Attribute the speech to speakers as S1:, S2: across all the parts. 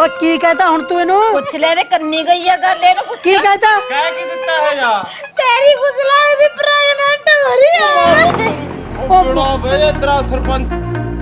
S1: ਉਹ ਕੀ ਕਹਤਾ ਹੁਣ ਤੂੰ ਇਹਨੂੰ?
S2: ਪੁੱਛ ਲੈ ਤੇ ਕੰਨੀ ਗਈ ਆ ਗੱਲ ਇਹਨੂੰ ਪੁੱਛ।
S1: ਕੀ ਕਹਤਾ?
S3: ਕਹਿ ਕੀ ਦਿੱਤਾ ਹੈਗਾ?
S2: ਤੇਰੀ ਗੁਜ਼ਲਾ ਦੀ ਪ੍ਰੈਗਨੈਂਟ ਹੋ ਰਹੀ ਆ।
S3: ਉਹ ਬੜਾ ਬੇ ਤੇਰਾ ਸਰਪੰਚ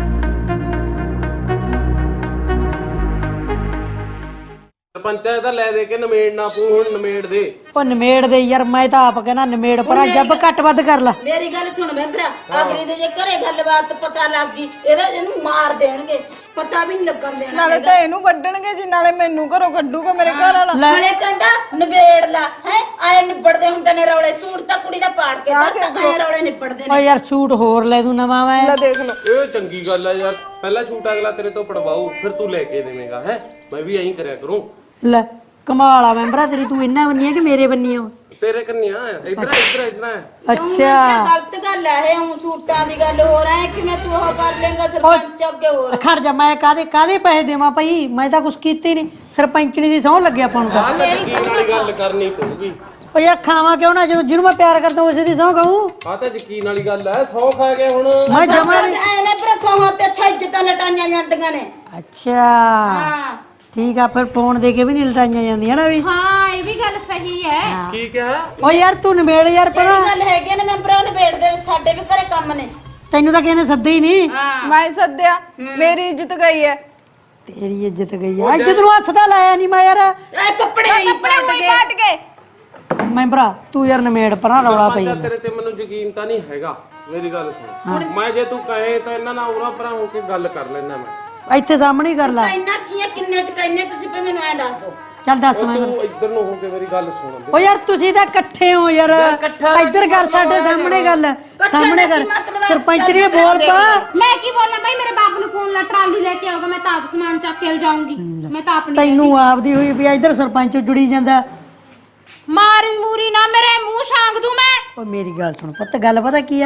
S3: ਸਰਪੰਚਾ ਇਹਦਾ ਲੈ ਦੇ ਕੇ ਨਮੇੜਨਾ ਪੂ ਹੁਣ ਨਮੇੜ ਦੇ।
S1: ਉਹ ਨਿਮੇੜ ਦੇ ਯਾਰ, ਮੈਂ ਤਾਂ ਆਪ ਕਹਿਣਾ ਨਿਮੇੜ ਪਰਾਂ ਜੱਬ ਘੱਟ ਵੱਧ ਕਰ ਲਾ।
S2: ਮੇਰੀ ਗੱਲ ਸੁਣ ਮੈਂਬਰਾ, ਅਗਲੀ ਦੇ ਜੇ ਘਰੇ ਗੱਲਬਾਤ ਪਤਾ ਲੱਗ ਗਈ ਇਹਨੂੰ ਮਾਰ ਦੇਣਗੇ, ਪਤਾ ਵੀ ਨਹੀਂ ਲੱਗਣ ਦੇਣਾ।
S4: ਨਾਲੇ ਤਾਂ ਇਹਨੂੰ ਵੱਢਣਗੇ ਜੀ, ਨਾਲੇ ਮੈਨੂੰ ਘਰੋਂ ਕੱਢੂਗਾ ਮੇਰੇ ਘਰ ਵਾਲਾ।
S2: ਨਾਲੇ ਕਹਿੰਦਾ ਨਿਬੇੜ ਲਾ ਹੈ, ਆਏ ਨਿਬੜਦੇ ਹੁੰਦੇ ਨੇ ਰੌਲੇ। ਸੂਟ ਤਾਂ ਕੁੜੀ ਦਾ ਪਾੜ ਕੇ ਆਏ ਰੌਲੇ ਨਿਬੜਦੇ
S1: ਓ
S2: ਨੇ।
S1: ਯਾਰ ਸੂਟ ਹੋਰ ਲੈ ਦੂੰ ਨਵਾਂ ਮੈਂ।
S4: ਲੈ ਦੇਖ ਲਓ,
S3: ਇਹ ਚੰਗੀ ਗੱਲ ਆ ਯਾਰ। ਪਹਿਲਾ ਛੂਟ ਅਗਲਾ ਤੇਰੇ ਤੋਂ ਪੜਵਾਉ, ਫਿਰ ਤੂੰ ਲੈ ਕੇ ਦੇਵੇਂਗਾ। ਹੈ ਮੈਂ ਵੀ ਐਂ ਕਰਿਆ ਕਰੂੰ।
S1: ਲੈ ਕਮਾਲ ਆ ਮੈਂਬਰਾ ਤੇਰੀ, ਤੂੰ ਇੰਨਾ ਬੰਨੀ ਆ ਕਿ ਮੇਰੇ ਬੰਨੀ ਆ?
S3: ਤੇਰੇ ਕੰਨਿਆ ਇਧਰ ਇਧਰ
S1: ਅੱਛਾ
S2: ਗਲਤ ਗੱਲ ਹੈ ਇਹ, ਹੁਣ ਸੂਟਾਂ ਦੀ ਗੱਲ ਹੋ ਰਹੀ ਹੈ। ਕਿਵੇਂ ਤੂੰ ਉਹ ਕਰ ਲੇਗਾ ਸਰਪੰਚ ਅੱਗੇ ਹੋਰ?
S1: ਖੜ ਜਾ, ਮੈਂ ਕਾਦੇ ਪੈਸੇ ਦੇਵਾਂ ਭਾਈ? ਮੈਂ ਤਾਂ ਕੁਛ ਕੀਤਾ ਹੀ ਨਹੀਂ। ਸਰਪੰਚਣੀ ਦੀ ਸਹੁੰ ਲੱਗੇ ਆਪਾਂ ਨੂੰ ਤਾਂ।
S3: ਆਹ ਤਾਂ ਯਕੀਨ ਵਾਲੀ ਗੱਲ ਕਰਨੀ ਪਊਗੀ।
S1: ਓ ਯਾਰ ਖਾਵਾਂ ਕਿਉਂ ਨਾ, ਜਦੋਂ ਜਿਹਨੂੰ ਮੈਂ ਪਿਆਰ ਕਰਦਾ ਉਸੇ ਦੀ ਸਹੁੰ ਖਾਊਂ।
S3: ਆਹ ਤਾਂ ਯਕੀਨ ਵਾਲੀ ਗੱਲ ਐ। 100 ਖਾ ਗਏ ਹੁਣ।
S1: ਮੈਂ ਜਮਾ
S2: ਐਵੇਂ ਪ੍ਰਸੋਹਾਂ ਤੇ ਅੱਛਾ ਇੱਜ਼ਤਾਂ ਲਟਾਈਆਂ ਜਾਂਦੀਆਂ ਨੇ।
S1: ਅੱਛਾ
S2: ਹਾਂ
S1: ਠੀਕ ਆ, ਫਿਰ ਫੋਨ ਦੇ ਕੇ ਵੀ ਨਹੀਂ ਲਟਾਈਆਂ ਜਾਂਦੀਆਂ ਨਾ ਵੀ।
S2: ਹਾਂ ਇਹ ਵੀ ਗੱਲ ਸਹੀ ਹੈ।
S3: ਕੀ ਕਿਹਾ?
S1: ਓ ਯਾਰ ਤੂੰ ਨਿਬੇੜ ਯਾਰ ਪਰ।
S2: ਜਿਹੜੀ ਗੱਲ ਹੈਗੀ ਨੇ ਮੈਂਬਰਾਂ ਨਿਬੇੜ ਦੇ, ਸਾਡੇ ਵੀ ਘਰੇ ਕੰਮ ਨੇ।
S1: ਤੈਨੂੰ ਤਾਂ ਕਿਸੇ ਨੇ ਸੱਦੇ ਹੀ ਨਹੀਂ।
S2: ਹਾਂ
S4: ਮੈਂ ਸੱਦਿਆ, ਮੇਰੀ ਇੱਜ਼ਤ ਗਈ ਹੈ।
S1: ਤੇਰੀ ਇੱਜ਼ਤ ਗਈ ਆ। ਇੱਜ਼ਤ ਨੂੰ ਹੱਥ ਤਾਂ ਲਾਇਆ ਨਹੀਂ ਮੈਂ ਯਾਰ।
S2: ਇਹ ਕੱਪੜੇ ਹੀ
S4: ਪਾਟ ਗਏ।
S1: ਮੈਂ ਭਰਾ ਤੂੰ ਯਾਰ ਨਿਬੇੜ ਪਰਾਂ ਰੌਲਾ ਪਈ
S3: ਸਰਪੰਚਾ ਤੇਰੇ ਤੇ ਮੈਨੂੰ ਯਕੀਨ ਤਾਂ ਨਹੀਂ ਹੈਗਾ। ਮੇਰੀ ਗੱਲ ਸੁਣ, ਮੈਂ ਜੇ ਤੂੰ ਕਹੇ ਤਾਂ ਇਹਨਾਂ ਨਾਲ ਉਰਾ ਪਰਾਂ ਹੋ ਕੇ ਗੱਲ ਕਰ ਲੈਣਾ। ਮੈਂ
S1: ਇੱਥੇ ਸਾਹਮਣੇ ਹੀ ਕਰ ਲਾ।
S2: ਇੰਨਾ ਕੀ ਕਿੰਨੇ ਚ ਕਹਿੰਨੇ ਤੁਸੀਂ ਪੇ ਮੈਨੂੰ ਐ ਦੱਸ ਦੋ।
S1: ਚੱਲ ਦੱਸ ਮੈਂ।
S3: ਤੂੰ ਇੱਧਰ ਨੂੰ ਹੋ ਕੇ ਮੇਰੀ ਗੱਲ ਸੁਣ।
S1: ਓ ਯਾਰ ਤੁਸੀਂ ਤਾਂ ਇਕੱਠੇ ਹੋ ਯਾਰ। ਇੱਧਰ ਕਰ, ਸਾਡੇ ਸਾਹਮਣੇ ਗੱਲ ਸਾਹਮਣੇ ਕਰ। ਸਰਪੰਚ ਨੇ ਬੋਲ ਪਾ।
S5: ਮੈਂ ਕੀ ਬੋਲਾਂ ਬਾਈ, ਮੇਰੇ ਬਾਪ ਨੂੰ ਫੋਨ ਲਾ, ਟਰਾਲੀ ਲੈ ਕੇ ਆਓਗਾ, ਮੈਂ ਤਾਂ ਆਪ ਸਮਾਨ ਚੱਕ ਕੇ ਜਾਊਂਗੀ। ਮੈਂ ਤਾਂ ਆਪਣੀ
S1: ਤੈਨੂੰ ਆਪਦੀ ਹੋਈ ਵੀ ਇੱਧਰ ਸਰਪੰਚ ਜੁੜੀ ਜਾਂਦਾ।
S5: ਮਾਰੀ ਮੂਰੀ ਨਾ ਮੇਰੇ ਮੂੰਹ ਛਾਂਗ ਦੂੰ ਮੈਂ।
S1: ਓ ਮੇਰੀ ਗੱਲ ਸੁਣ ਪੁੱਤ, ਗੱਲ ਪਤਾ ਕੀ ਆ?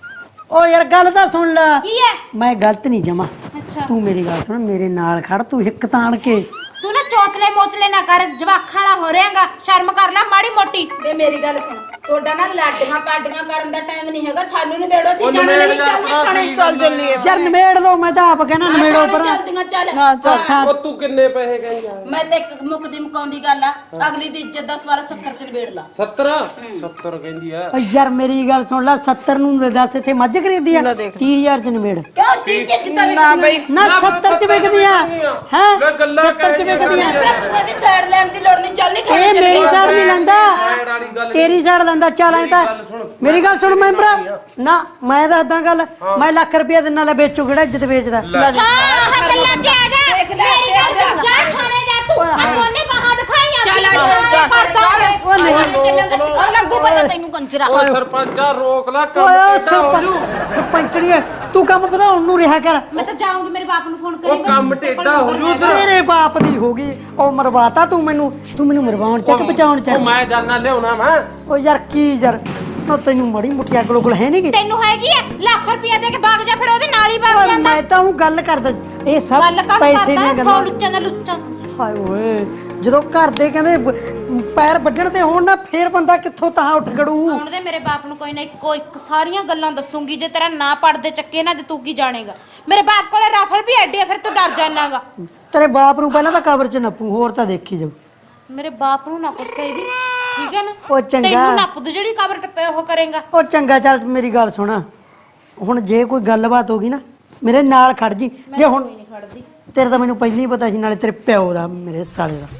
S1: ਓ ਯਾਰ ਗੱਲ ਤਾਂ ਸੁਣ ਲੈ।
S5: ਕੀ ਹੈ?
S1: ਮੈਂ ਗਲਤ ਨਹੀਂ ਜਮਾ।
S5: ਅੱਛਾ
S1: ਤੂੰ ਮੇਰੀ ਗੱਲ ਸੁਣ, ਮੇਰੇ ਨਾਲ ਖੜ, ਤੂੰ ਹਿੱਕ ਤਾਣ ਕੇ।
S5: ਤੂੰ ਨਾ ਚੋਚਲੇ ਮੋਚਲੇ ਨਾ ਕਰ, ਜਵਾਖਾਂ ਵਾਲਾ ਹੋ ਰਿਹਾਗਾ। ਸ਼ਰਮ ਕਰ ਲੈ ਮਾੜੀ ਮੋਟੀ।
S2: ਵੇ ਮੇਰੀ ਗੱਲ ਸੁਣ, ਤੁਹਾਡਾ ਨਾ ਲਾਡੀਆਂ ਪਾਡੀਆਂ ਕਰਨ ਦਾ ਟਾਈਮ ਨਹੀਂ ਹੈਗਾ। ਸਾਨੂੰ ਨਿਬੇੜੋ, ਸੀ ਜਾਣਾ ਨਹੀਂ। ਚੱਲ ਨਿਕਣੇ
S4: ਚੱਲ ਚੱਲੀਏ।
S1: ਯਾਰ ਨਿਬੇੜ ਦੋ, ਮੈਂ ਤਾਂ ਆਪ ਕਹਿਣਾ ਨਿਬੇੜੋ ਪਰ।
S2: ਚੱਲਦੀਆਂ ਚੱਲ।
S4: ਨਾ ਚੱਲ।
S3: ਉਹ ਤੂੰ ਕਿੰਨੇ ਪੈਸੇ ਕਹਿੰਦੀ ਆ?
S2: ਮੈਂ ਤੇ ਇੱਕ ਮੁੱਕਦੀ ਮੁਕਾਉਂਦੀ ਗੱਲ ਆ, ਅਗਲੀ ਦੀ ਇੱਜ਼ਤ ਦਾ ਸਵਾਲ 70 ਚ ਨਿਬੇੜ ਲਾ।
S3: 70 70 ਕਹਿੰਦੀ ਆ।
S1: ਓ ਯਾਰ ਮੇਰੀ ਗੱਲ ਸੁਣ ਲੈ, 70 ਨੂੰ ਦੱਸ ਇੱਥੇ ਮੱਝ ਖਰੀਦੀ ਆ? 30000 ਚ ਨਿਬੇੜ।
S2: ਕਿਉਂ ਦੀ ਇੱਜ਼ਤ ਦਾ
S4: ਨਾ ਬਈ,
S1: ਨਾ 70 ਚ ਵਿਕਦੀ ਆ। ਹੈ
S3: ਲੈ ਗੱਲਾਂ
S1: 70 ਚ ਵਿਕਦੀ ਆ।
S2: ਤੂੰ ਇਹਦੀ ਸਾਈਡ ਲੈਣ ਦੀ ਲੋੜ ਨਹੀਂ। ਚੱਲ ਨਹੀਂ
S1: ਇਹ ਮੇਰੀ ਸਾਈਡ ਨਹੀਂ ਲੈਂਦਾ,
S3: ਸਾਈਡ ਵਾਲੀ ਗੱਲ
S1: ਤੇਰੀ ਸਾਈਡ ਲੈਂਦਾ। ਚੱਲ ਐ ਤਾਂ ਮੇਰੀ ਗੱਲ ਸੁਣ ਮੈਂ ਭਰਾ ਨਾ, ਮੈਂ ਦੱਸਦਾ ਗੱਲ। ਮੈਂ ਲੱਖ ਰੁਪਇਆ ਦਿਨਾਂ ਲੈ ਵੇਚੂ, ਕਿਹੜਾ ਇੱਜ਼ਤ ਵੇਚਦਾ।
S5: ਹਾਂ ਗੱਲਾਂ ਤੇ ਆ ਜਾ।
S2: ਦੇਖ ਲੈ,
S5: ਮੇਰੀ ਗੱਲ ਸੁਣ, ਜਾ ਥਾਣੇ ਜਾ ਤੂੰ। ਆ ਕੋਨੇ ਬਾਹਾਂ ਦਿਖਾਈਆਂ।
S2: ਚੱਲ ਆ ਜਾ,
S1: ਉਹ ਨਹੀਂ
S2: ਉਹ ਲੱਗੂ ਪਤਾ ਤੈਨੂੰ ਕੰਜਰਾ।
S3: ਓਏ ਸਰਪੰਚਾ ਰੋਕ ਲੈ ਕੰਮ।
S1: ਓਏ
S3: ਟੇਢਾ ਹੋ ਜੂ।
S1: ਸਰਪੰਚੜੀ ਤੂੰ ਕੰਮ ਵਧਾਉਣ ਨੂੰ ਰਿਹਾ ਕਰ।
S5: ਮੈਂ ਤਾਂ ਜਾਊਂਗੀ, ਮੇਰੇ ਬਾਪ ਨੂੰ ਫੋਨ ਕਰੀ।
S3: ਉਹ ਕੰਮ ਟੇਢਾ ਹੋ ਜੂ ਉਧਰ।
S1: ਤੇਰੇ ਬਾਪ ਦੀ ਹੋ ਗਈ ਉਹ, ਮਰਵਾਤਾ ਤੂੰ ਮੈਨੂੰ ਮਰਵਾਉਣ ਚ ਕਿ ਬਚਾਉਣ ਚ?
S3: ਉਹ ਮੈਂ ਜਾਨਾ ਲਿਆਉਣਾ ਮੈਂ।
S1: ਓ ਯਾਰ ਕੀ ਯਾਰ, ਉਹ ਤੈਨੂੰ ਮੜੀ ਮੁੱਠੀ ਅਗਲ ਉਗਲ ਹੈ ਨਹੀਂ ਗੀ?
S5: ਤੈਨੂੰ ਹੈਗੀ ਐ ਲੱਖ ਰੁਪਇਆ ਦੇ ਕੇ ਭਾਗ ਜਾ, ਫਿਰ ਉਹਦੇ ਨਾਲ ਹੀ ਭਾਗ ਜਾਂਦਾ।
S1: ਮੈਂ ਤਾਂ ਉਹ ਗੱਲ ਕਰਦਾ, ਇਹ ਸਭ
S5: ਗੱਲ ਕਰ
S1: ਪੈਸੇ ਦੀਆਂ
S5: ਕਰਦਾ, 100
S1: ਗੱਲਾਂ।
S5: ਲੁੱਚਾਂ ਦਾ ਲੁੱਚਾ।
S1: ਹਾਏ ਓਏ, ਜਦੋਂ ਘਰ ਦੇ ਕਹਿੰਦੇ ਪੈਰ ਵੱਢਣ ਤੇ ਹੋਣ ਨਾ, ਫੇਰ ਬੰਦਾ ਕਿੱਥੋਂ ਤਾਂ ਉੱਠ ਖੜੂ।
S5: ਹੁਣ ਦੇ ਮੇਰੇ ਬਾਪ ਨੂੰ ਕੋਈ ਨਾ ਇੱਕੋ ਇੱਕ ਸਾਰੀਆਂ ਗੱਲਾਂ ਦੱਸੂਗੀ। ਜੇ ਤੇਰਾ ਨਾ ਪੜਦੇ ਚੱਕੇ ਨਾ, ਤੇ ਤੂੰ ਕੀ ਜਾਣੇਗਾ? ਮੇਰੇ ਬਾਪ ਕੋਲੇ ਰਾਫਲ ਵੀ ਐਡੀ ਆ, ਫਿਰ ਤੂੰ ਡਰ ਜਾਣਾਗਾ।
S1: ਤੇਰੇ ਬਾਪ ਨੂੰ ਪਹਿਲਾਂ ਤਾਂ ਕਬਰ ਚ ਨੱਪੂ, ਹੋਰ ਤਾਂ ਦੇਖੀ ਜਾਊ।
S5: ਮੇਰੇ ਬਾਪ ਨੂੰ ਨਾ ਕੁਛ ਕਹੀਦੀ, ਠੀਕ ਹੈ ਨਾ?
S1: ਉਹ ਚੰਗਾ।
S5: ਤੈਨੂੰ ਨੱਪ ਦੂ ਜਿਹੜੀ ਕਬਰ ਟੱਪੇ ਉਹ ਕਰੇਗਾ।
S1: ਉਹ ਚੰਗਾ, ਚੱਲ ਮੇਰੀ ਗੱਲ ਸੁਣ। ਹੁਣ ਜੇ ਕੋਈ ਗੱਲਬਾਤ ਹੋ ਗਈ ਨਾ, ਮੇਰੇ ਨਾਲ ਖੜ ਜੀ। ਜੇ ਹੁਣ ਤੇਰੇ ਤਾਂ ਮੈਨੂੰ ਪਹਿਲਾਂ ਹੀ ਪਤਾ ਸੀ, ਨਾਲੇ ਤੇਰੇ ਪਿਓ ਦਾ, ਮੇਰੇ ਸਾਲੇ ਦਾ।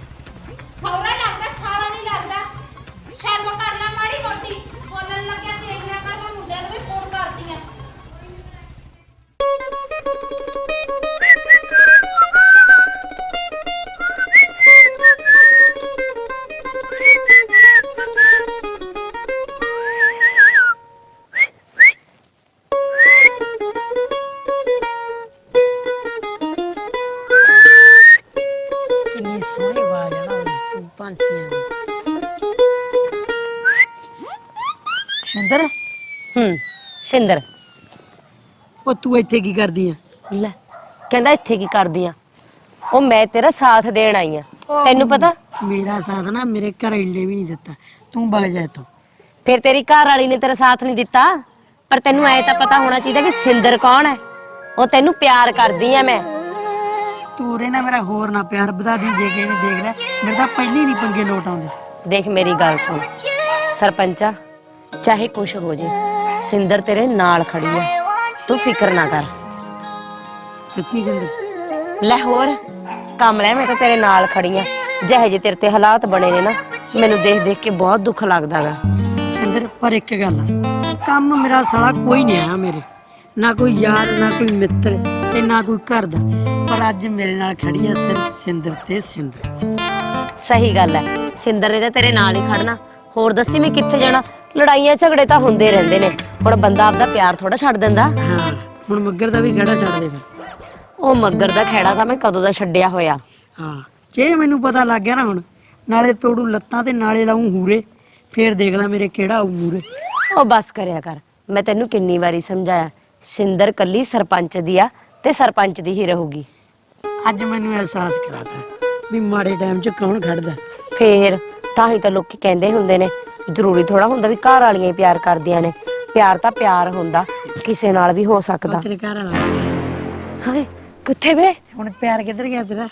S5: ਸੌਰਾ ਲੱਗਦਾ, ਸਾਲਾ ਨਹੀਂ ਲੱਗਦਾ। ਸ਼ਰਮ ਕਰ ਲੈ ਮਾੜੀ ਮੋਟੀ। ਬੋਲਣ ਲੱਗਿਆ ਦੇਖ ਲਿਆ ਕਰ, ਮੈਂ ਮੁੰਡਿਆਂ ਨੂੰ ਵੀ ਫੋਨ ਕਰਦੀ ਆ।
S1: ਕਿੰਨੀ ਸੋਹਣੀ ਆਵਾਜ਼ ਆ ਨਾ ਪੰਛੀਆਂ ਦੀ। ਸ਼ਿੰਦਰ,
S6: ਸ਼ਿੰਦਰ
S1: ਉਹ ਤੂੰ ਇੱਥੇ ਕੀ ਕਰਦੀ ਆ?
S6: ਲੈ ਕਹਿੰਦਾ ਇੱਥੇ ਕੀ ਕਰਦੀ ਆ? ਉਹ ਮੈਂ ਤੇਰਾ ਸਾਥ ਦੇਣ ਆਈ ਆ। ਤੈਨੂੰ ਪਤਾ
S1: ਮੇਰਾ ਸਾਥ ਨਾ ਮੇਰੇ ਘਰੇਲੇ ਵੀ ਨਹੀਂ ਦਿੱਤਾ। ਤੂੰ ਵਗ ਜਾ ਇੱਥੋਂ।
S6: ਫਿਰ ਤੇਰੀ ਘਰ ਵਾਲੀ ਨੇ ਤੇਰਾ ਸਾਥ ਨਹੀਂ ਦਿੱਤਾ, ਪਰ ਤੈਨੂੰ ਐ ਤਾਂ ਪਤਾ ਹੋਣਾ ਚਾਹੀਦਾ ਵੀ ਸਿੰਦਰ ਕੌਣ ਹੈ। ਉਹ ਤੈਨੂੰ ਪਿਆਰ ਕਰਦੀ ਆ ਮੈਂ।
S1: ਤੂੰ ਰੇ ਨਾ ਮੇਰਾ ਹੋਰ ਨਾ ਪਿਆਰ ਵਧਾ ਦੀ ਜੇ ਕਿਸੇ ਨੇ ਦੇਖ ਲਿਆ ਮੇਰੇ ਤਾਂ ਪਹਿਲੀ ਨਹੀਂ ਪੰਗੇ ਲੋਟ ਆਉਂਦੇ।
S6: ਦੇਖ ਮੇਰੀ ਗੱਲ ਸੁਣ ਸਰਪੰਚਾ, ਚਾਹੇ ਕੁਛ ਹੋ ਜੇ ਸਿੰਦਰ ਤੇਰੇ ਨਾਲ ਖੜੀ ਆ, ਤੂੰ ਫਿਕਰ ਨਾ ਕਰ।
S1: ਸੱਚੀ ਸਿੰਦਰ?
S6: ਲੈ ਹੋਰ ਕਮਲੇ, ਮੈਂ ਤਾਂ ਤੇਰੇ ਨਾਲ ਖੜੀ ਆ। ਜਿਹੇ ਜੇ ਤੇਰੇ ਤੇ ਹਾਲਾਤ ਬਣੇ ਨੇ ਨਾ, ਮੈਨੂੰ ਦੇਖ ਦੇਖ ਕੇ ਬਹੁਤ ਦੁੱਖ ਲੱਗਦਾਗਾ।
S1: ਸਿੰਦਰ ਪਰ ਇੱਕ ਗੱਲ ਆ, ਕੰਮ ਮੇਰਾ ਸਾਲਾ ਕੋਈ ਨਹੀਂ ਆਇਆ ਮੇਰੇ, ਨਾ ਕੋਈ ਯਾਰ ਨਾ ਕੋਈ ਮਿੱਤਰ ਤੇ ਨਾ ਕੋਈ ਘਰ ਦਾ, ਪਰ ਅੱਜ ਮੇਰੇ ਨਾਲ ਖੜੀ ਆ ਸਿਰਫ ਸਿੰਦਰ ਤੇ ਸਿੰਦਰ।
S6: ਸਹੀ ਗੱਲ ਹੈ, ਸਿੰਦਰ ਨੇ ਤਾਂ ਤੇਰੇ ਨਾਲ ਹੀ ਖੜਨਾ, ਹੋਰ ਦੱਸੀ ਮੈਂ ਕਿੱਥੇ ਜਾਣਾ। ਲੜਾਈਆਂ ਝਗੜੇ ਤਾਂ ਹੁੰਦੇ ਰਹਿੰਦੇ ਨੇ, ਹੁਣ ਬੰਦਾ ਆਪਦਾ ਪਿਆਰ ਥੋੜਾ ਛੱਡ ਦਿੰਦਾ।
S1: ਹਾਂ ਹੁਣ ਮੱਗਰ ਦਾ ਵੀ ਖੜਾ ਛੱਡ ਦੇ ਫਿਰ।
S6: ਉਹ ਮੱਗਰ ਦਾ ਖੇੜਾ ਤਾਂ ਮੈਂ ਕਦੋਂ ਦਾ ਛੱਡਿਆ ਹੋਇਆ।
S1: ਹਾਂ ਜੇ ਮੈਨੂੰ ਪਤਾ ਲੱਗ ਗਿਆ ਨਾ ਹੁਣ, ਨਾਲੇ ਤੋੜੂ ਲੱਤਾਂ ਤੇ ਨਾਲੇ ਲਾਉਂ ਹੂਰੇ, ਫੇਰ ਦੇਖ ਲੈ ਮੇਰੇ ਕਿਹੜਾ ਆਊ ਮੂਰੇ।
S6: ਉਹ ਬਸ ਕਰਿਆ ਕਰ, ਮੈਂ ਤੈਨੂੰ ਕਿੰਨੀ ਵਾਰੀ ਸਮਝਾਇਆ, ਸਿੰਦਰ ਕੱਲੀ ਸਰਪੰਚ ਦੀ ਆ ਤੇ ਸਰਪੰਚ ਦੀ ਹੀ ਰਹੂਗੀ।
S1: ਅੱਜ ਮੈਨੂੰ ਅਹਿਸਾਸ ਕਰਾਤਾ ਵੀ ਮਾੜੇ ਟਾਈਮ 'ਚ ਕੌਣ ਖੜਦਾ।
S6: ਫੇਰ ਤਾਂ ਹੀ ਤਾਂ ਲੋਕੀ ਕਹਿੰਦੇ ਹੁੰਦੇ ਨੇ, ਜ਼ਰੂਰੀ ਥੋੜਾ ਹੁੰਦਾ ਵੀ ਘਰ ਵਾਲੀਆਂ ਹੀ ਪਿਆਰ ਕਰਦੀਆਂ ਨੇ। ਪਿਆਰ ਤਾਂ ਪਿਆਰ ਹੁੰਦਾ, ਕਿਸੇ ਨਾਲ ਵੀ ਹੋ ਸਕਦਾ।
S1: ਤੇਰੇ ਘਰ ਵਾਲਾ
S6: ਹਾਏ ਕਿੱਥੇ ਵੇ?
S1: ਹੁਣ ਪਿਆਰ ਕਿੱਧਰ ਗਿਆ ਤੇਰਾ?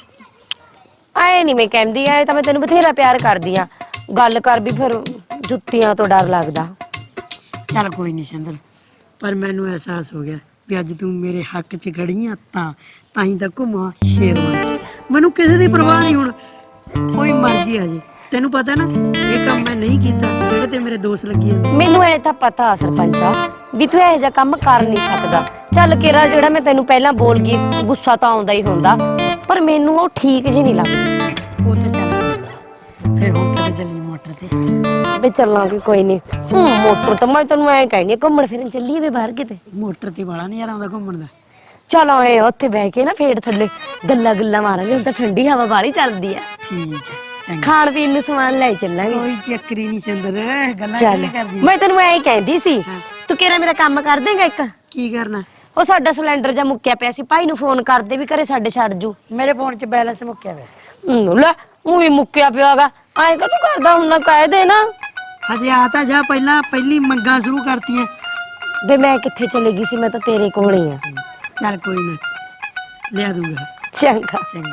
S6: ਆਏ ਨਹੀਂ ਮੈਂ ਕਹਿੰਦੀ, ਆਏ ਤਾਂ ਮੈਂ ਤੈਨੂੰ ਬਥੇਰਾ ਪਿਆਰ ਕਰਦੀ ਆ, ਗੱਲ ਕਰ ਵੀ ਫਿਰ ਜੁੱਤੀਆਂ ਤੋਂ ਡਰ ਲੱਗਦਾ।
S1: ਚੱਲ ਕੋਈ ਨਹੀਂ ਸਿੰਦਰ, ਪਰ ਮੈਨੂੰ ਅਹਿਸਾਸ ਹੋ ਗਿਆ ਵੀ ਅੱਜ ਤੂੰ ਮੇਰੇ ਹੱਕ 'ਚ ਖੜੀ ਆ, ਤਾਂ ਹੀ ਤਾਂ ਘੁੰਮਾਂ ਸ਼ੇਰਵਾਂ 'ਚ। ਮੈਨੂੰ ਕਿਸੇ ਦੀ ਪਰਵਾਹ ਨਹੀਂ ਹੁਣ, ਕੋਈ ਮਰਜ਼ੀ ਆ ਜੇ। ਤੈਨੂੰ ਪਤਾ ਨਾ ਇਹ ਕੰਮ ਮੈਂ ਨਹੀਂ ਕੀਤਾ ਜਿਹੜੇ ਤੇ ਮੇਰੇ ਦੋਸਤ ਲੱਗੀ ਜਾਂਦੇ।
S6: ਮੈਨੂੰ ਐ ਤਾਂ ਪਤਾ ਸਰਪੰਚਾ ਵੀ ਤੂੰ ਇਹੋ ਜਿਹਾ ਕੰਮ ਕਰ ਨਹੀਂ ਸਕਦਾ। ਚੱਲ ਕੇਰਾ ਜਿਹੜਾ ਮੈਂ ਤੈਨੂੰ ਪਹਿਲਾਂ ਬੋਲ ਗਈ, ਗੁੱਸਾ ਤਾਂ ਆਉਂਦਾ ਹੀ ਹੁੰਦਾ, ਪਰ ਮੈਨੂੰ ਉਹ ਠੀਕ ਜਿਹੀ ਨਹੀਂ ਲੱਗਦੀ।
S1: ਉਹ ਤੇ ਚੱਲ ਫਿਰ ਹੁਣ ਕਦੇ ਚੱਲੀ ਮੋਟਰ ਤੇ?
S6: ਵੀ ਚੱਲਾਂਗੇ ਕੋਈ ਨਹੀਂ। ਮੋਟਰ ਤਾਂ ਮੈਂ ਤੈਨੂੰ ਐ ਕਹਿਣੀ, ਘੁੰਮਣ ਫਿਰਨ ਚੱਲੀਏ ਵੇ ਬਾਹਰ ਕਿਤੇ।
S1: ਮੋਟਰ ਤੇ ਵਾਲਾ ਨਜ਼ਾਰਾ ਆਉਂਦਾ ਘੁੰਮਣ ਦਾ।
S6: ਚਲ ਆਏ ਉੱਥੇ ਬਹਿ ਕੇ ਨਾ ਫੇਰ ਥੱਲੇ ਗੱਲਾਂ ਗੁੱਲਾਂ ਮਾਰਾਂਗੇ, ਹੁਣ ਤਾਂ ਠੰਡੀ ਹਵਾ ਬਾਹਲੀ ਚੱਲਦੀ ਆ।
S1: ਠੀਕ ਹੈ ਚੰਗਾ,
S6: ਖਾਣ ਪੀਣ ਨੂੰ ਸਮਾਨ ਲੈ ਚੱਲਾਂਗੇ।
S1: ਕੋਈ ਚੱਕਰੀ ਨਹੀਂ ਸਿੰਦਰ, ਗੱਲਾਂ
S6: ਚੱਲ
S1: ਕਿਵੇਂ ਕਰਦੀ?
S6: ਮੈਂ ਤੈਨੂੰ ਐ ਕਹਿੰਦੀ ਸੀ, ਤੂੰ ਕਿਹੜਾ ਮੇਰਾ ਕੰਮ ਕਰ ਦੇਂਗਾ ਇੱਕ?
S1: ਕੀ ਕਰਨਾ?
S6: ਉਹ ਸਾਡਾ ਸਿਲੰਡਰ ਜਾਂ ਮੁੱਕਿਆ ਪਿਆ ਸੀ, ਭਾਈ ਨੂੰ ਫੋਨ ਕਰਦੇ ਵੀ ਘਰੇ ਸਾਡੇ ਛੱਡ ਜੂ।
S1: ਮੇਰੇ ਫੋਨ 'ਚ ਬੈਲੈਂਸ ਮੁੱਕਿਆ ਹੋਇਆ।
S6: ਲੈ ਉਹ ਵੀ ਮੁੱਕਿਆ ਪਿਆਗਾ, ਐਂ ਕਦੋਂ ਕਰਦਾ ਹੁਣ? ਨਾ ਕਹਿ ਦੇ ਨਾ।
S1: ਹਜੇ ਆ ਤਾਂ ਜਾ, ਪਹਿਲੀ ਮੰਗਾਂ ਸ਼ੁਰੂ ਕਰਤੀਆਂ।
S6: ਵੇ ਮੈਂ ਕਿੱਥੇ ਚਲੇ ਗਈ ਸੀ, ਮੈਂ ਤਾਂ ਤੇਰੇ ਕੋਲ ਹੀ ਆ।
S1: ਚੱਲ ਕੋਈ ਨਾ, ਲਿਆ ਦੂੰਗਾ।
S6: ਚੰਗਾ।
S1: ਚੰਗਾ।